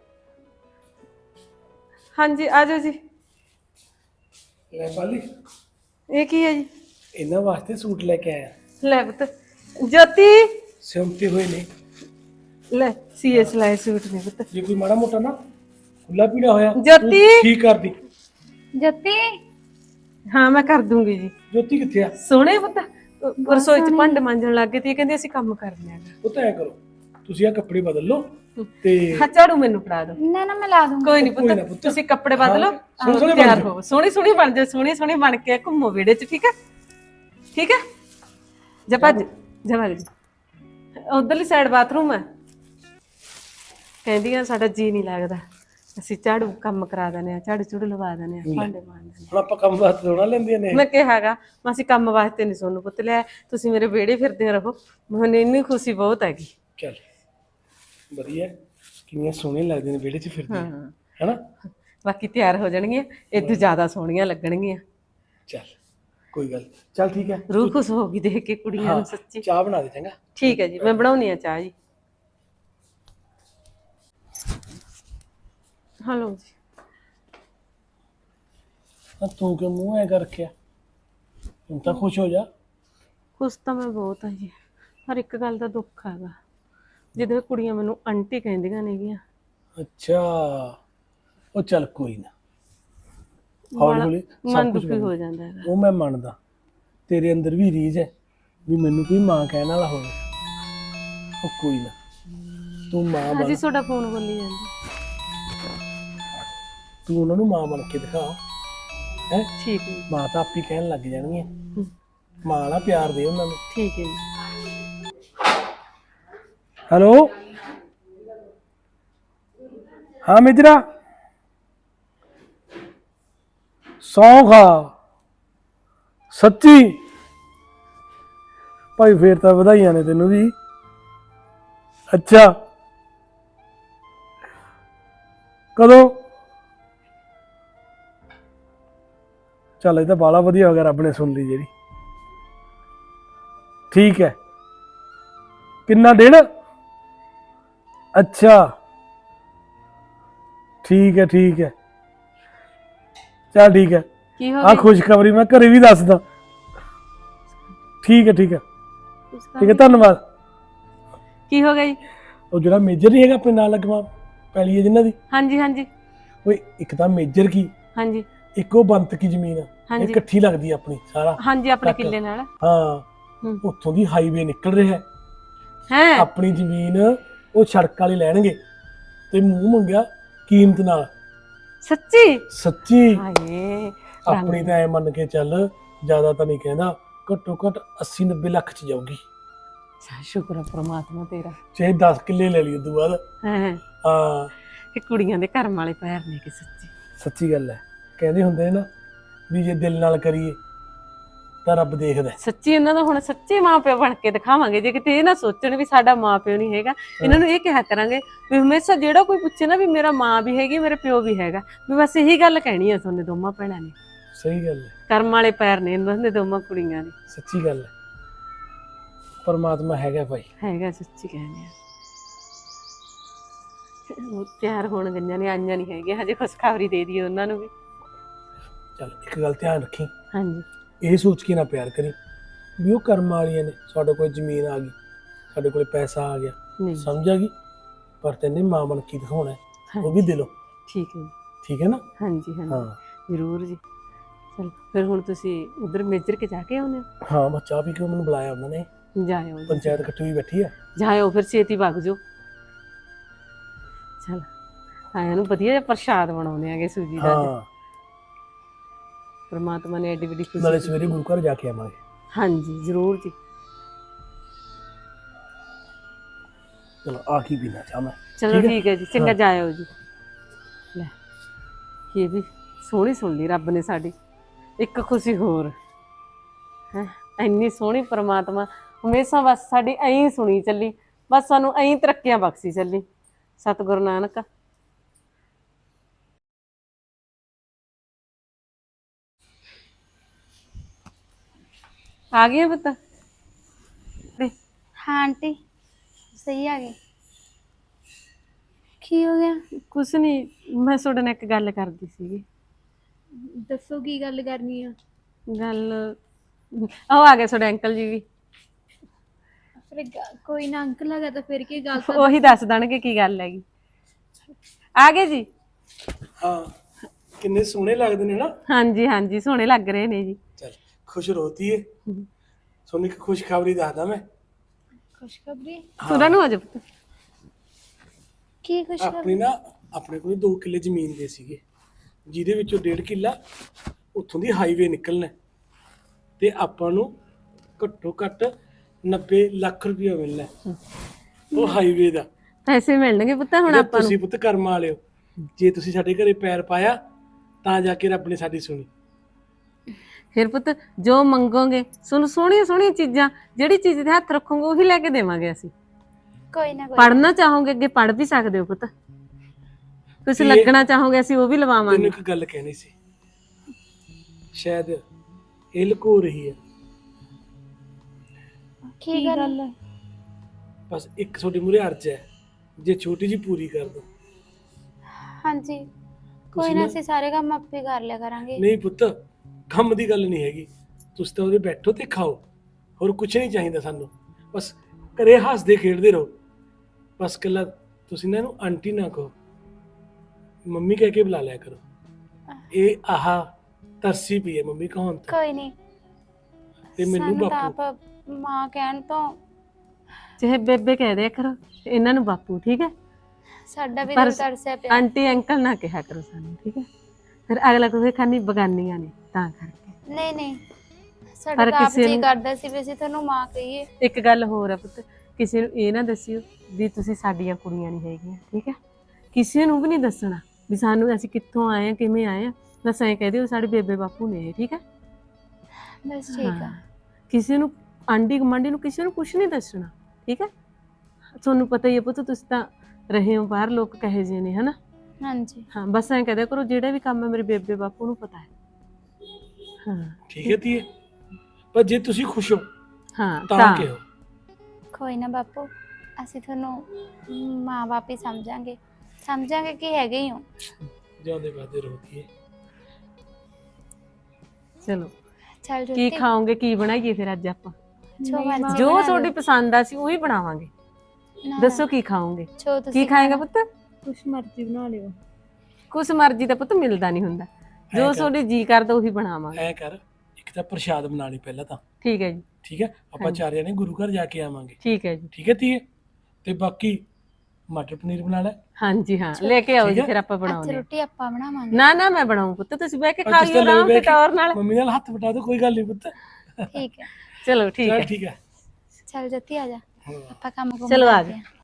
[SPEAKER 4] ਹਾਂਜੀ ਆ ਜਾਓ ਜੀ।
[SPEAKER 3] ਲੈ ਪਾਲੀ,
[SPEAKER 4] ਇਹ ਕੀ ਹੈ ਜੀ?
[SPEAKER 3] ਇਹਨਾਂ ਵਾਸਤੇ ਸੂਟ ਲੈ ਕੇ ਆਇਆ,
[SPEAKER 4] ਲੈ ਪੁੱਤ। ਜੋਤੀ
[SPEAKER 3] ਸਿਉਂਤੇ ਹੋਏ ਨੇ।
[SPEAKER 4] ਲੈ ਸੀਐਸ ਲਾਏ ਸੂਟ ਨੇ ਪੁੱਤ।
[SPEAKER 3] ਜੇ ਕੋਈ ਮਾੜਾ ਮੋਟਾ ਨਾ ਖੁੱਲਾ ਪੀੜਾ ਹੋਇਆ
[SPEAKER 4] ਜੋਤੀ
[SPEAKER 3] ਤੂੰ ਠੀਕ ਕਰਦੀ।
[SPEAKER 1] ਜੋਤੀ
[SPEAKER 4] ਹਾਂ ਮੈਂ ਕਰ ਦੂੰਗੀ ਜੀ।
[SPEAKER 3] ਜੋਤੀ ਕਿੱਥੇ ਆ?
[SPEAKER 4] ਸੋਹਣੇ ਪੁੱਤ ਅਹ ਰਸੋਈ ਚ ਭਾਂਡੇ ਮਾਂਜਣ ਲੱਗ ਗਏ ਤੇ ਇਹ ਕਹਿੰਦੇ ਅਸੀਂ ਕੰਮ ਕਰਨੇ ਆ।
[SPEAKER 3] ਉਹ ਤਾਂ ਐ ਕਰੋ, ਤੁਸੀਂ ਆ ਕੱਪੜੇ ਬਦਲ ਲਓ ਤੇ
[SPEAKER 4] ਹਾਂ ਝਾੜੂ ਮੈਨੂੰ ਫੜਾ ਦਿਓ।
[SPEAKER 1] ਨਾ ਨਾ ਮੈਂ ਲਾ ਦੂੰਗੀ।
[SPEAKER 4] ਕੋਈ ਨਹੀਂ
[SPEAKER 3] ਕੋਈ ਨਾ
[SPEAKER 4] ਪੁੱਤ
[SPEAKER 3] ਪੁੱਤ।
[SPEAKER 4] ਤੁਸੀਂ ਕੱਪੜੇ ਬਦਲੋ
[SPEAKER 3] ਹਾਂ, ਸੋਹਣੇ ਸੋਹਣੇ ਬਣ
[SPEAKER 4] ਤਿਆਰ
[SPEAKER 3] ਜਾਓ।
[SPEAKER 4] ਹੋ ਸੋਹਣੀ ਸੋਹਣੀ ਬਣ ਜਾਓ ਸੋਹਣੀ ਸੋਹਣੀ ਬਣ ਕੇ ਘੁੰਮੋ ਵਿਹੜੇ ਚ ਠੀਕ ਹੈ ਠੀਕ ਹੈ ਜਾ ਭੱਜ ਜਾ ਭੱਜ ਉਧਰਲੀ ਸਾਈਡ ਬਾਥਰੂਮ ਹੈ। ਕਹਿੰਦੀਆਂ ਸਾਡਾ ਜੀ ਨਹੀਂ ਲੱਗਦਾ ਅਸੀਂ ਝਾੜੂ ਕੰਮ ਕਰਾ ਦਿੰਦੇ ਆ ਝਾੜੂ ਝੂੜੂ ਲਵਾ ਦਿੰਦੇ ਆ ਭਾਂਡੇ ਮਾਂਜਦੇ
[SPEAKER 3] ਹੁਣ ਆਪਾਂ ਕੰਮ ਵਾਸਤੇ ਥੋੜਾ ਲੈਂਦੀਆਂ ਨੇ।
[SPEAKER 4] ਮੈਂ ਕਿਹਾਗਾ ਮੈਂ ਅਸੀਂ ਕੰਮ ਵਾਸਤੇ ਨਹੀਂ ਸੋਨੂੰ ਪੁੱਤ ਲਿਆ ਤੁਸੀਂ ਮੇਰੇ ਵਿਹੜੇ ਫਿਰਦੇ ਰਹੋ ਮੈਨੂੰ ਇੰਨੀ ਖੁਸ਼ੀ ਬਹੁਤ ਹੈਗੀ।
[SPEAKER 3] ਚੱਲ ਵਧੀਆ, ਕਿੰਨੀਆਂ ਸੋਹਣੀਆਂ ਲੱਗਦੀਆਂ ਨੇ ਵਿਹੜੇ 'ਚ ਫਿਰਦੀਆਂ ਹੈਨਾ।
[SPEAKER 4] ਬਾਕੀ ਤਿਆਰ ਹੋ ਜਾਣਗੀਆਂ ਇਦੋਂ ਜ਼ਿਆਦਾ ਸੋਹਣੀਆਂ ਲੱਗਣਗੀਆਂ।
[SPEAKER 3] ਚੱਲ ਕੋਈ ਗੱਲ ਨੀ। ਚੱਲ ਠੀਕ ਹੈ,
[SPEAKER 4] ਰੂਹ ਖੁਸ਼ ਹੋ ਗਈ ਦੇਖ ਕੇ ਕੁੜੀਆਂ ਨੂੰ ਸੱਚੀ।
[SPEAKER 3] ਚਾਹ ਬਣਾ ਦੇ ਚੰਗਾ।
[SPEAKER 4] ਠੀਕ ਹੈ ਜੀ ਮੈਂ ਬਣਾਉਣੀ ਆ ਚਾਹ ਜੀ। ਹਲੋ ਜੀ।
[SPEAKER 3] ਆ ਤੂੰ ਕਿਉਂ ਮੂੰਹ ਐ ਕਰ ਰੱਖਿਆ? ਹੁਣ ਤਾਂ ਖੁਸ਼ ਹੋ ਜਾ।
[SPEAKER 4] ਖੁਸ਼ ਤਾਂ ਮੈਂ ਬਹੁਤ ਆ ਜੀ ਪਰ ਇੱਕ ਗੱਲ ਦਾ ਦੁੱਖ ਹੈਗਾ ਜਦੋਂ ਕੁੜੀਆਂ ਮੈਨੂੰ ਆਂਟੀ ਕਹਿੰਦੀਆਂ ਨੇਗੀਆਂ।
[SPEAKER 3] ਅੱਛਾ ਉਹ ਚੱਲ ਕੋਈ ਨਾ, ਹੌਲੀ ਹੌਲੀ
[SPEAKER 4] ਮਨ
[SPEAKER 3] ਸਭ ਕੁਝ
[SPEAKER 4] ਦੁਖੀ ਹੋ ਜਾਂਦਾ ਹੈਗਾ।
[SPEAKER 3] ਉਹ ਮੈਂ ਮੰਨਦਾ, ਤੇਰੇ ਅੰਦਰ ਵੀ ਰੀਝ ਹੈ ਵੀ ਮੈਨੂੰ ਕੋਈ ਮਾਂ ਕਹਿਣ ਵਾਲਾ ਹੋਵੇ। ਉਹ ਕੋਈ ਨਾ, ਤੂੰ ਮਾਂ ਬਣ,
[SPEAKER 4] ਹਾਂਜੀ ਤੁਹਾਡਾ ਫੋਨ ਬੋਲੀ ਜਾਂਦਾ।
[SPEAKER 3] ਤੂੰ ਉਹਨਾਂ ਨੂੰ ਮਾਂ ਬਣ ਕੇ ਦਿਖਾ ਹੈ।
[SPEAKER 4] ਠੀਕ ਹੈ
[SPEAKER 3] ਮਾਂ ਤਾਂ ਆਪੀ ਕਹਿਣ ਲੱਗ ਜਾਣਗੀਆਂ। ਮਾਂ ਨਾਲ ਪਿਆਰ ਦੇ ਉਹਨਾਂ ਨੂੰ।
[SPEAKER 4] ਠੀਕ ਹੈ ਜੀ।
[SPEAKER 3] ਹੈਲੋ ਹਾਂ ਮਿੱਤਰਾ, ਸੌਂ ਖਾ ਸੱਚੀ ਭਾਈ, ਫੇਰ ਤਾਂ ਵਧਾਈਆਂ ਨੇ ਤੈਨੂੰ ਵੀ। ਅੱਛਾ ਕਦੋਂ? ਚੱਲ ਇਹ ਤਾਂ ਬਾਲਾ ਵਧੀਆ ਹੋ ਗਿਆ, ਰੱਬ ਨੇ ਸੁਣ ਲਈ ਜਿਹੜੀ। ਠੀਕ ਹੈ, ਕਿੰਨਾ ਡੇਢ? ਅੱਛਾ ਠੀਕ ਹੈ ਠੀਕ ਹੈ, ਚੱਲ ਠੀਕ ਹੈ।
[SPEAKER 4] ਕੀ ਹੋ
[SPEAKER 3] ਆ
[SPEAKER 4] ਗਿਆ?
[SPEAKER 3] ਖੁਸ਼ਖਬਰੀ ਮੈਂ ਘਰੇ ਵੀ ਦੱਸਦਾ। ਠੀਕ ਹੈ ਠੀਕ ਹੈ ਠੀਕ ਹੈ, ਧੰਨਵਾਦ।
[SPEAKER 4] ਕੀ ਹੋ ਗਿਆ ਜੀ?
[SPEAKER 3] ਉਹ ਜਿਹੜਾ ਮੇਜਰ ਨਹੀਂ ਹੈਗਾ ਆਪਣੇ ਨਾਲ ਲੱਗਵਾ ਪੈਲੀ ਹੈ ਜਿਨ੍ਹਾਂ ਦੀ,
[SPEAKER 4] ਹਾਂਜੀ ਹਾਂਜੀ
[SPEAKER 3] ਓਏ ਇੱਕ ਤਾਂ ਮੇਜਰ ਕੀ,
[SPEAKER 4] ਹਾਂਜੀ
[SPEAKER 3] ਇੱਕ ਉਹ ਬੰਤ ਕੀ ਜ਼ਮੀਨ ਆ, ਇਹ
[SPEAKER 4] ਹਾਂਜੀ।
[SPEAKER 3] ਇਕੱਠੀ ਲੱਗਦੀ ਆ ਆਪਣੀ ਸਾਰਾ।
[SPEAKER 4] ਹਾਂਜੀ ਆਪਣੇ
[SPEAKER 3] ਤੱਕ।
[SPEAKER 4] ਕਿੱਲੇ ਨਾਲ
[SPEAKER 3] ਹਾਂ
[SPEAKER 4] ਹੂੰ।
[SPEAKER 3] ਉੱਥੋਂ ਦੀ ਹਾਈਵੇ ਨਿਕਲ ਰਿਹਾ ਹੈ।
[SPEAKER 4] ਹੈ।
[SPEAKER 3] ਆਪਣੀ ਜ਼ਮੀਨ ਉਹ ਸੜਕ ਵਾਲੇ ਲੈਣਗੇ ਤੇ ਮੂੰਹ ਮੰਗਿਆ ਕੀਮਤ ਨਾਲ।
[SPEAKER 4] ਸੱਚੀ?
[SPEAKER 3] ਸੱਚੀ
[SPEAKER 4] ਹਾਏ
[SPEAKER 3] ਆਪਣੀ ਤਾਂ ਐ ਮੰਨ ਕੇ ਚੱਲ, ਜ਼ਿਆਦਾ ਤਾਂ ਨਹੀਂ ਕਹਿੰਦਾ, ਘੱਟੋ ਘੱਟ ਅੱਸੀ ਨੱਬੇ ਲੱਖ ਚ ਜਾਊਗੀ।
[SPEAKER 4] ਸ਼ੁਕਰ ਹੈ ਪ੍ਰਮਾਤਮਾ ਤੇਰਾ।
[SPEAKER 3] ਚਾਹੇ ਦਸ ਕਿੱਲੇ ਲੈ ਲਈ ਉਦੋਂ ਬਾਅਦ।
[SPEAKER 4] ਹੈ
[SPEAKER 3] ਹਾਂ
[SPEAKER 4] ਇਹ ਕੁੜੀਆਂ ਦੇ ਕਰਮ ਵਾਲੇ ਪੈਰ ਨੇ ਕਿ ਸੱਚੀ।
[SPEAKER 3] ਸੱਚੀ ਗੱਲ ਹੈ, ਕਹਿੰਦੇ ਹੁੰਦੇ ਨੇ ਨਾ ਵੀ ਜੇ ਦਿਲ ਨਾਲ ਕਰੀਏ ਤਾਂ ਰੱਬ ਦੇਖਦਾ।
[SPEAKER 4] ਸੱਚੀ ਇਹਨਾਂ ਦਾ ਹੁਣ ਸੱਚੇ ਮਾਪਿਓ ਬਣ ਕੇ ਦਿਖਾਵਾਂਗੇ। ਜੇ ਕਿਤੇ ਇਹ ਨਾ ਸੋਚਣ ਵੀ ਸਾਡਾ ਮਾਪਿਓ ਨਹੀਂ ਹੈਗਾ, ਇਹਨਾਂ ਨੂੰ ਇਹ ਕਿਹਾ ਕਰਾਂਗੇ ਵੀ ਹਮੇਸ਼ਾ ਜਿਹੜਾ ਕੋਈ ਪੁੱਛੇ ਨਾ ਵੀ ਮੇਰਾ ਮਾਂ ਵੀ ਹੈਗੀ ਮੇਰੇ ਪਿਓ ਵੀ ਹੈਗਾ, ਵੀ ਬਸ ਇਹੀ ਗੱਲ ਕਹਿਣੀ ਆ ਤੁਹਾਨੂੰ ਦੋਵਾਂ ਭੈਣਾਂ ਨੇ।
[SPEAKER 3] ਸਹੀ ਗੱਲ ਹੈ,
[SPEAKER 4] ਕਰਮ ਵਾਲੇ ਪੈਰ ਨੇ ਇਹਨਾਂ ਦੇ ਦੋਵਾਂ ਕੁੜੀਆਂ ਦੇ।
[SPEAKER 3] ਸੱਚੀ ਗੱਲ ਹੈ, ਪਰਮਾਤਮਾ ਹੈਗਾ ਭਾਈ।
[SPEAKER 4] ਹੈਗਾ ਸੱਚੀ ਕਹਿੰਦੇ ਆ। ਉਹ ਤਿਆਰ ਹੋਣ ਗਈਆਂ ਨੇ, ਆਈਆਂ ਨਹੀਂ ਹੈਗੀਆਂ ਹਜੇ, ਖੁਸ਼ਖਬਰੀ ਦੇ ਦਈਏ ਉਹਨਾਂ ਨੂੰ ਵੀ।
[SPEAKER 3] ਚੱਲ ਇੱਕ ਗੱਲ ਧਿਆਨ ਰੱਖੀ,
[SPEAKER 4] ਹਾਂਜੀ
[SPEAKER 3] ਇਹ ਸੋਚ ਕੇ ਨਾ ਪਿਆਰ ਕਰੀ ਵੀ ਉਹ ਕਰਮ ਵਾਲੀਆਂ ਨੇ, ਸਾਡੇ ਕੋਲ ਜ਼ਮੀਨ ਆ ਗਈ, ਸਾਡੇ ਕੋਲ ਪੈਸਾ ਆ ਗਿਆ,
[SPEAKER 4] ਨਹੀਂ
[SPEAKER 3] ਸਮਝ ਆ ਗਈ, ਪਰ ਤੈਨੇ ਮਾਂ ਬਣ ਕੇ ਦਿਖਾਉਣਾ ਹੈ, ਉਹ ਵੀ ਦਿਲੋਂ।
[SPEAKER 4] ਠੀਕ ਹੈ ਜੀ।
[SPEAKER 3] ਠੀਕ ਹੈ ਨਾ?
[SPEAKER 4] ਹਾਂਜੀ ਹਾਂਜੀ
[SPEAKER 3] ਹਾਂ
[SPEAKER 4] ਜ਼ਰੂਰ ਜੀ। ਚਲ ਫਿਰ ਹੁਣ ਤੁਸੀਂ ਉਧਰ ਮੇਜਰ ਕੇ ਜਾ ਕੇ ਆਉਂਦੇ ਹੋ?
[SPEAKER 3] ਹਾਂ ਮੈਂ ਚਾਹ ਪੀ ਕੇ ਮੈਨੂੰ ਬੁਲਾਇਆ ਉਹਨਾਂ ਨੇ,
[SPEAKER 4] ਜਾਇਓ ਜੀ।
[SPEAKER 3] ਪੰਚਾਇਤ ਇਕੱਠੀ ਹੋਈ ਬੈਠੀ ਆ।
[SPEAKER 4] ਜਾਇਓ ਫਿਰ ਛੇਤੀ ਵਗ ਜਾਓ। ਚਲ ਆਇਆ ਨੂੰ ਵਧੀਆ ਜਿਹਾ ਪ੍ਰਸ਼ਾਦ ਬਣਾਉਂਦੇ ਆਗੇ ਸੂਜੀ ਦਾ।
[SPEAKER 3] ਹਾਂ
[SPEAKER 4] ਪਰਮਾਤਮਾ ਨੇ ਐਡੀ ਵੱਡੀ
[SPEAKER 3] ਨਾਲੇ
[SPEAKER 4] ਖੁਸ਼ੀ।
[SPEAKER 3] ਸਵੇਰੇ ਗੁਰੂ ਘਰ ਜਾ ਕੇ ਆਵਾਂਗੇ।
[SPEAKER 4] ਹਾਂਜੀ ਜ਼ਰੂਰ ਜੀ।
[SPEAKER 3] ਚਲੋ ਆ ਕੀ ਪੀਣਾ ਚਾਹ ਮੈਂ।
[SPEAKER 4] ਚਲੋ
[SPEAKER 3] ਠੀਕ ਹੈ?
[SPEAKER 4] ਠੀਕ ਹੈ ਜੀ, ਚੰਗਾ
[SPEAKER 3] ਹਾਂ।
[SPEAKER 4] ਜਾਇਓ ਜੀ। ਲੈ ਇਹ ਵੀ ਸੋਹਣੀ ਸੁਣ ਲਈ ਰੱਬ ਨੇ ਸਾਡੀ ਇੱਕ ਖੁਸ਼ੀ ਹੋਰ ਹੈ। ਇੰਨੀ ਸੋਹਣੀ ਪਰਮਾਤਮਾ ਹਮੇਸ਼ਾ ਬਸ ਸਾਡੀ ਐਂ ਸੁਣੀ ਚੱਲੀ, ਬਸ ਸਾਨੂੰ ਐਂ ਤਰੱਕੀਆਂ ਬਖਸ਼ੀ ਚੱਲੀ। ਸਤਿਗੁਰੂ ਨਾਨਕ। ਆ ਗਏ ਪੁੱਤ?
[SPEAKER 1] ਹਾਂ ਆਂਟੀ ਸਹੀ ਆ ਗਏ। ਕੀ ਹੋ ਗਿਆ?
[SPEAKER 4] ਕੁਛ ਨਹੀਂ, ਮੈਂ ਤੁਹਾਡੇ ਨਾਲ ਇੱਕ ਗੱਲ ਕਰਦੀ ਸੀਗੀ।
[SPEAKER 1] ਦੱਸੋ ਕੀ ਗੱਲ ਕਰਨੀ ਆ?
[SPEAKER 4] ਗੱਲ ਉਹ ਆ ਗਏ ਤੁਹਾਡੇ ਅੰਕਲ ਜੀ ਵੀ।
[SPEAKER 1] ਫਿਰ ਗ- ਕੋਈ ਨਾ ਅੰਕਲ ਹੈਗਾ ਤਾਂ ਫਿਰ ਕੀ ਗੱਲ ਤਾਂ
[SPEAKER 4] ਉਹੀ ਦੱਸ ਦੇਣਗੇ ਕੀ ਗੱਲ ਹੈਗੀ। ਆ ਗਏ ਜੀ?
[SPEAKER 3] ਹਾਂ ਕਿੰਨੇ ਸੋਹਣੇ ਲੱਗਦੇ ਨੇ ਨਾ।
[SPEAKER 4] ਹਾਂਜੀ ਹਾਂਜੀ ਸੋਹਣੇ ਲੱਗ ਰਹੇ ਨੇ ਜੀ।
[SPEAKER 3] ਚਲ ਖੁਸ਼ ਰਹਤੀ ਹੈ। ਤੁਹਾਨੂੰ ਇੱਕ ਖੁਸ਼ਖਬਰੀ ਦੱਸਦਾ ਮੈਂ।
[SPEAKER 1] ਖੁਸ਼ਖਬਰੀ?
[SPEAKER 4] ਤੁਰਾ ਨੂੰ ਹੋ ਜਾ ਪੁੱਤ।
[SPEAKER 1] ਕੀ ਖੁਸ਼ਖਬਰੀ?
[SPEAKER 3] ਆਪਣੀ ਨਾ ਆਪਣੇ ਕੋਲ ਦੋ ਕਿੱਲੇ ਜ਼ਮੀਨ ਦੇ ਸੀਗੇ, ਜਿਹਦੇ ਵਿੱਚੋਂ ਡੇਢ ਕਿੱਲਾ ਉੱਥੋਂ ਦੀ ਹਾਈਵੇ ਨਿਕਲਣਾ ਹੈ, ਤੇ ਆਪਾਂ ਨੂੰ ਘੱਟੋ ਘੱਟ ਨੱਬੇ ਲੱਖ ਰੁਪਇਆ ਮਿਲਣਾ ਹੈ ਉਹ ਹਾਈਵੇ ਦਾ।
[SPEAKER 4] ਪੈਸੇ ਮਿਲਣਗੇ ਪੁੱਤ ਹੁਣ
[SPEAKER 3] ਜੇ
[SPEAKER 4] ਆਪਾਂ
[SPEAKER 3] ਤੁਸੀਂ
[SPEAKER 4] ਨੂੰ।
[SPEAKER 3] ਪੁੱਤ ਕਰਮ ਵਾਲਿਓ, ਜੇ ਤੁਸੀਂ ਸਾਡੇ ਘਰੇ ਪੈਰ ਪਾਇਆ ਤਾਂ ਜਾ ਕੇ ਰੱਬ ਨੇ ਸਾਡੀ ਸੁਣੀ।
[SPEAKER 4] ਫਿਰ ਪੁੱਤ ਜੋ ਮੰਗੋਗੇ, ਤੁਹਾਨੂੰ ਸੋਹਣੀਆਂ ਸੋਹਣੀਆਂ ਚੀਜ਼ਾਂ, ਜਿਹੜੀ ਚੀਜ਼ ਤੇ ਹੱਥ ਰੱਖੋਗੇ ਉਹੀ ਲੈ ਕੇ ਦੇਵਾਂਗੇ ਅਸੀਂ।
[SPEAKER 1] ਕੋਈ ਨਾ ਕੋਈ
[SPEAKER 4] ਪੜ੍ਹਨਾ ਚਾਹੋਗੇ ਅੱਗੇ ਪੜ੍ਹ ਵੀ ਸਕਦੇ ਹੋ ਪੁੱਤ। ਤੁਸੀਂ
[SPEAKER 3] ਇਹ-
[SPEAKER 4] ਲੱਗਣਾ ਚਾਹੋਗੇ ਅਸੀਂ ਉਹ ਵੀ
[SPEAKER 3] ਤੈਨੂੰ
[SPEAKER 4] ਲਵਾਵਾਂਗੇ।
[SPEAKER 3] ਇੱਕ ਗੱਲ ਕਹਿਣੀ ਸੀ, ਸ਼ਾਇਦ ਇਹ ਲੁਕੋ ਰਹੀ ਹੈ।
[SPEAKER 1] ਕੀ ਗੱਲ?
[SPEAKER 3] ਬਸ ਇੱਕ ਤੁਹਾਡੀ ਮੂਹਰੇ ਅਰਜ਼ ਹੈ, ਜੇ ਛੋਟੀ ਜੀ ਪੂਰੀ ਕਰ ਦੋ।
[SPEAKER 1] ਹਾਂਜੀ ਕੋਈ
[SPEAKER 3] ਤੁਸੀਂ
[SPEAKER 1] ਨਾ
[SPEAKER 3] ਨਾ-
[SPEAKER 1] ਅਸੀਂ ਸਾਰੇ ਕੰਮ ਆਪੇ ਕਰ ਲਿਆ ਕਰਾਂਗੇ।
[SPEAKER 3] ਨਹੀਂ ਪੁੱਤ, ਕੰਮ ਦੀ ਗੱਲ ਨਹੀਂ ਹੈਗੀ, ਤੁਸੀਂ ਤਾਂ ਉਹਦੇ ਬੈਠੋ ਤੇ ਖਾਓ, ਹੋਰ ਕੁਝ ਨਹੀਂ ਚਾਹੀਦਾ ਸਾਨੂੰ। ਬਸ ਘਰੇ ਹੱਸਦੇ ਖੇਡਦੇ ਰਹੋ। ਬਸ ਕੱਲਾ ਤੁਸੀਂ ਨਾ ਇਹਨੂੰ ਆਂਟੀ ਨਾ ਕਹੋ, ਮੰਮੀ ਕਹਿ ਕੇ ਬੁਲਾ ਲਿਆ ਕਰੋ। ਇਹ ਆਹ ਤਰਸੀ ਪਈ ਹੈ ਮੰਮੀ ਕਹਾਉਣ ਤੇ
[SPEAKER 1] ਕੋਈ ਨਹੀਂ,
[SPEAKER 3] ਤੇ ਮੈਨੂੰ
[SPEAKER 1] ਸਾਨੂੰ ਤਾਂ
[SPEAKER 3] ਬਾਪੂ।
[SPEAKER 1] ਆਪ ਮਾਂ ਕਹਿਣ ਤੋਂ
[SPEAKER 4] ਚਾਹੇ ਬੇਬੇ ਕਹਿ ਦਿਆ ਕਰੋ, ਇਹਨਾਂ ਨੂੰ ਬਾਪੂ, ਠੀਕ ਹੈ?
[SPEAKER 1] ਸਾਡਾ ਵੀ
[SPEAKER 4] ਪਰ
[SPEAKER 1] ਦਿਲ ਤਰਸਿਆ ਪਿਆ।
[SPEAKER 4] ਆਂਟੀ ਅੰਕਲ ਨਾ ਕਿਹਾ ਕਰੋ ਸਾਨੂੰ, ਠੀਕ ਹੈ? ਫਿਰ ਅਗਲਾ ਕੋਈ ਖਾਨੀ ਬਗਾਨੀਆਂ ਨੇ ਤਾਂ ਕਰਕੇ।
[SPEAKER 1] ਨਹੀਂ ਨਹੀਂ ਸਾਡਾ
[SPEAKER 4] ਪਰ
[SPEAKER 1] ਤਾਂ ਆਪ
[SPEAKER 4] ਕਿਸੇ
[SPEAKER 1] ਜੀ
[SPEAKER 4] ਨੂੰ-
[SPEAKER 1] ਕਰਦਾ ਸੀ ਵੀ ਅਸੀਂ ਤੁਹਾਨੂੰ ਮਾਂ ਕਹੀਏ।
[SPEAKER 4] ਇੱਕ ਗੱਲ ਹੋਰ ਹੈ ਪੁੱਤ, ਕਿਸੇ ਨੂੰ ਇਹ ਨਾ ਦੱਸਿਓ ਵੀ ਤੁਸੀਂ ਸਾਡੀਆਂ ਕੁੜੀਆਂ ਨਹੀਂ ਹੈਗੀਆਂ, ਠੀਕ ਹੈ? ਕਿਸੇ ਨੂੰ ਵੀ ਨਹੀਂ ਦੱਸਣਾ ਵੀ ਸਾਨੂੰ ਅਸੀਂ ਕਿੱਥੋਂ ਆਏ ਆ, ਕਿਵੇਂ ਆਏ ਆ। ਬਸ ਐਂ ਕਹਿ ਦਿਓ ਸਾਡੇ ਬੇਬੇ ਬਾਪੂ ਨੇ ਇਹ, ਠੀਕ ਹੈ?
[SPEAKER 1] ਬਸ ਠੀਕ ਆ।
[SPEAKER 4] ਹਾਂ। ਕਿਸੇ ਨੂੰ ਆਂਢੀ ਗੁਆਂਢੀ ਨੂੰ ਕਿਸੇ ਨੂੰ ਕੁਝ ਨਹੀਂ ਦੱਸਣਾ, ਠੀਕ ਹੈ? ਤੁਹਾਨੂੰ ਪਤਾ ਹੀ ਹੈ ਪੁੱਤ, ਤੁਸੀਂ ਤਾਂ ਰਹੇ ਹੋ ਬਾਹਰ, ਲੋਕ ਕਹੇ ਜਿਹੇ ਨੇ, ਹਨਾ?
[SPEAKER 1] ਹਾਂਜੀ
[SPEAKER 4] ਹਾਂ ਬਸ ਐਂ ਕਹਿ ਦਿਆ ਕਰੋ ਜਿਹੜਾ ਵੀ ਕੰਮ ਹੈ ਮੇਰੇ ਬੇਬੇ ਬਾਪੂ ਨੂੰ ਪਤਾ ਹੈ। ਹਾਂ
[SPEAKER 3] ਠੀਕ ਹੈ ਧੀਏ, ਪਰ ਜੇ ਤੁਸੀਂ ਖੁਸ਼ ਹੋ
[SPEAKER 4] ਹਾਂ
[SPEAKER 3] ਤਾਂ
[SPEAKER 4] ਤਾਂ
[SPEAKER 3] ਕਿਹੋ।
[SPEAKER 1] ਕੋਈ ਨਾ ਬਾਪੂ, ਅਸੀਂ ਤੁਹਾਨੂੰ ਮਾਂ ਬਾਪ ਹੀ ਸਮਝਾਂਗੇ ਸਮਝਾਂਗੇ ਕਿ ਹੈਗੇ ਹੀ ਹੋ।
[SPEAKER 3] ਜਿਉਂਦੇ ਵਾਦੇ ਰਹੋ ਧੀਏ।
[SPEAKER 4] ਚਲੋ
[SPEAKER 1] ਚੱਲ
[SPEAKER 4] ਕੀ
[SPEAKER 1] ਜੋਤੀ,
[SPEAKER 4] ਖਾਓਗੇ, ਕੀ ਬਣਾਈਏ ਫਿਰ ਅੱਜ ਆਪਾਂ?
[SPEAKER 1] ਜੋ ਮਰਜ਼ੀ
[SPEAKER 4] ਜੋ
[SPEAKER 1] ਬਣਾ
[SPEAKER 4] ਤੁਹਾਡੀ
[SPEAKER 1] ਲਿਓ।
[SPEAKER 4] ਪਸੰਦ ਆ ਸੀ ਉਹੀ ਬਣਾਵਾਂਗੇ।
[SPEAKER 1] ਨਾ,
[SPEAKER 4] ਦੱਸੋ
[SPEAKER 1] ਨਾ,
[SPEAKER 4] ਕੀ ਖਾਓਗੇ,
[SPEAKER 1] ਜੋ
[SPEAKER 4] ਕੀ
[SPEAKER 1] ਤੁਸੀਂ
[SPEAKER 4] ਖਾਏਗਾ ਪੁੱਤ?
[SPEAKER 2] ਕੁਛ ਮਰਜ਼ੀ ਬਣਾ ਲਿਓ।
[SPEAKER 4] ਕੁਛ ਮਰਜ਼ੀ ਦਾ ਪੁੱਤ ਮਿਲਦਾ ਨਹੀਂ ਹੁੰਦਾ, ਜੋ
[SPEAKER 3] ਕਰ।
[SPEAKER 4] ਤੁਹਾਡੀ ਜੀ ਕਰਦਾ ਉਹੀ ਬਣਾਵਾਂਗੇ।
[SPEAKER 3] ਐ ਕਰ, ਇੱਕ ਤਾਂ ਪ੍ਰਸ਼ਾਦ ਬਣਾ ਲਈ ਪਹਿਲਾਂ ਤਾਂ,
[SPEAKER 4] ਠੀਕ ਹੈ ਜੀ,
[SPEAKER 3] ਠੀਕ ਹੈ? ਆਪਾਂ ਚਾਰ ਜਣੇ ਗੁਰੂ ਘਰ ਜਾ ਕੇ ਆਵਾਂਗੇ,
[SPEAKER 4] ਠੀਕ ਹੈ ਜੀ।
[SPEAKER 3] ਠੀਕ ਹੈ ਧੀਏ? ਤੇ ਬਾਕੀ ਮਟਰ ਪਨੀਰ ਬਣਾ ਲੈ।
[SPEAKER 4] ਹਾਂਜੀ ਹਾਂ ਲੈ ਕੇ ਆਓ
[SPEAKER 3] ਠੀਕ
[SPEAKER 4] ਜੀ,
[SPEAKER 3] ਹੈ?
[SPEAKER 4] ਫਿਰ ਆਪਾਂ
[SPEAKER 1] ਅੱਜ
[SPEAKER 4] ਬਣਾਉਂਦੇ ਹਾਂ।
[SPEAKER 1] ਰੋਟੀ ਆਪਾਂ ਬਣਾਵਾਂਗੇ।
[SPEAKER 4] ਨਾ ਨਾ ਮੈਂ ਬਣਾਉਂ ਪੁੱਤ, ਤੁਸੀਂ ਬਹਿ ਕੇ
[SPEAKER 3] ਪਰ
[SPEAKER 4] ਖਾ
[SPEAKER 3] ਤੁਸੀਂ
[SPEAKER 4] ਲਿਓ
[SPEAKER 3] ਤਾਂ
[SPEAKER 4] ਆਰਾਮ
[SPEAKER 3] ਬਹਿ
[SPEAKER 4] ਤੇ
[SPEAKER 3] ਕੇ
[SPEAKER 4] ਟੌਰ ਨਾਲ।
[SPEAKER 3] ਮੰਮੀ ਨਾਲ ਹੱਥ ਵਟਾ ਦਿਓ, ਕੋਈ ਗੱਲ ਨਹੀਂ ਪੁੱਤ।
[SPEAKER 1] ਠੀਕ ਹੈ,
[SPEAKER 4] ਚਲੋ ਠੀਕ
[SPEAKER 3] ਚਲ
[SPEAKER 4] ਹੈ,
[SPEAKER 3] ਠੀਕ ਹੈ।
[SPEAKER 1] ਚੱਲ ਜੋਤੀ ਆ ਜਾ,
[SPEAKER 3] ਹਾਂ।
[SPEAKER 1] ਆਪਾਂ ਕੰਮ ਕੁਮ
[SPEAKER 4] ਚਲੋ ਆ
[SPEAKER 1] ਕਰਦੇ
[SPEAKER 4] ਜਾ।
[SPEAKER 1] ਹਾਂ।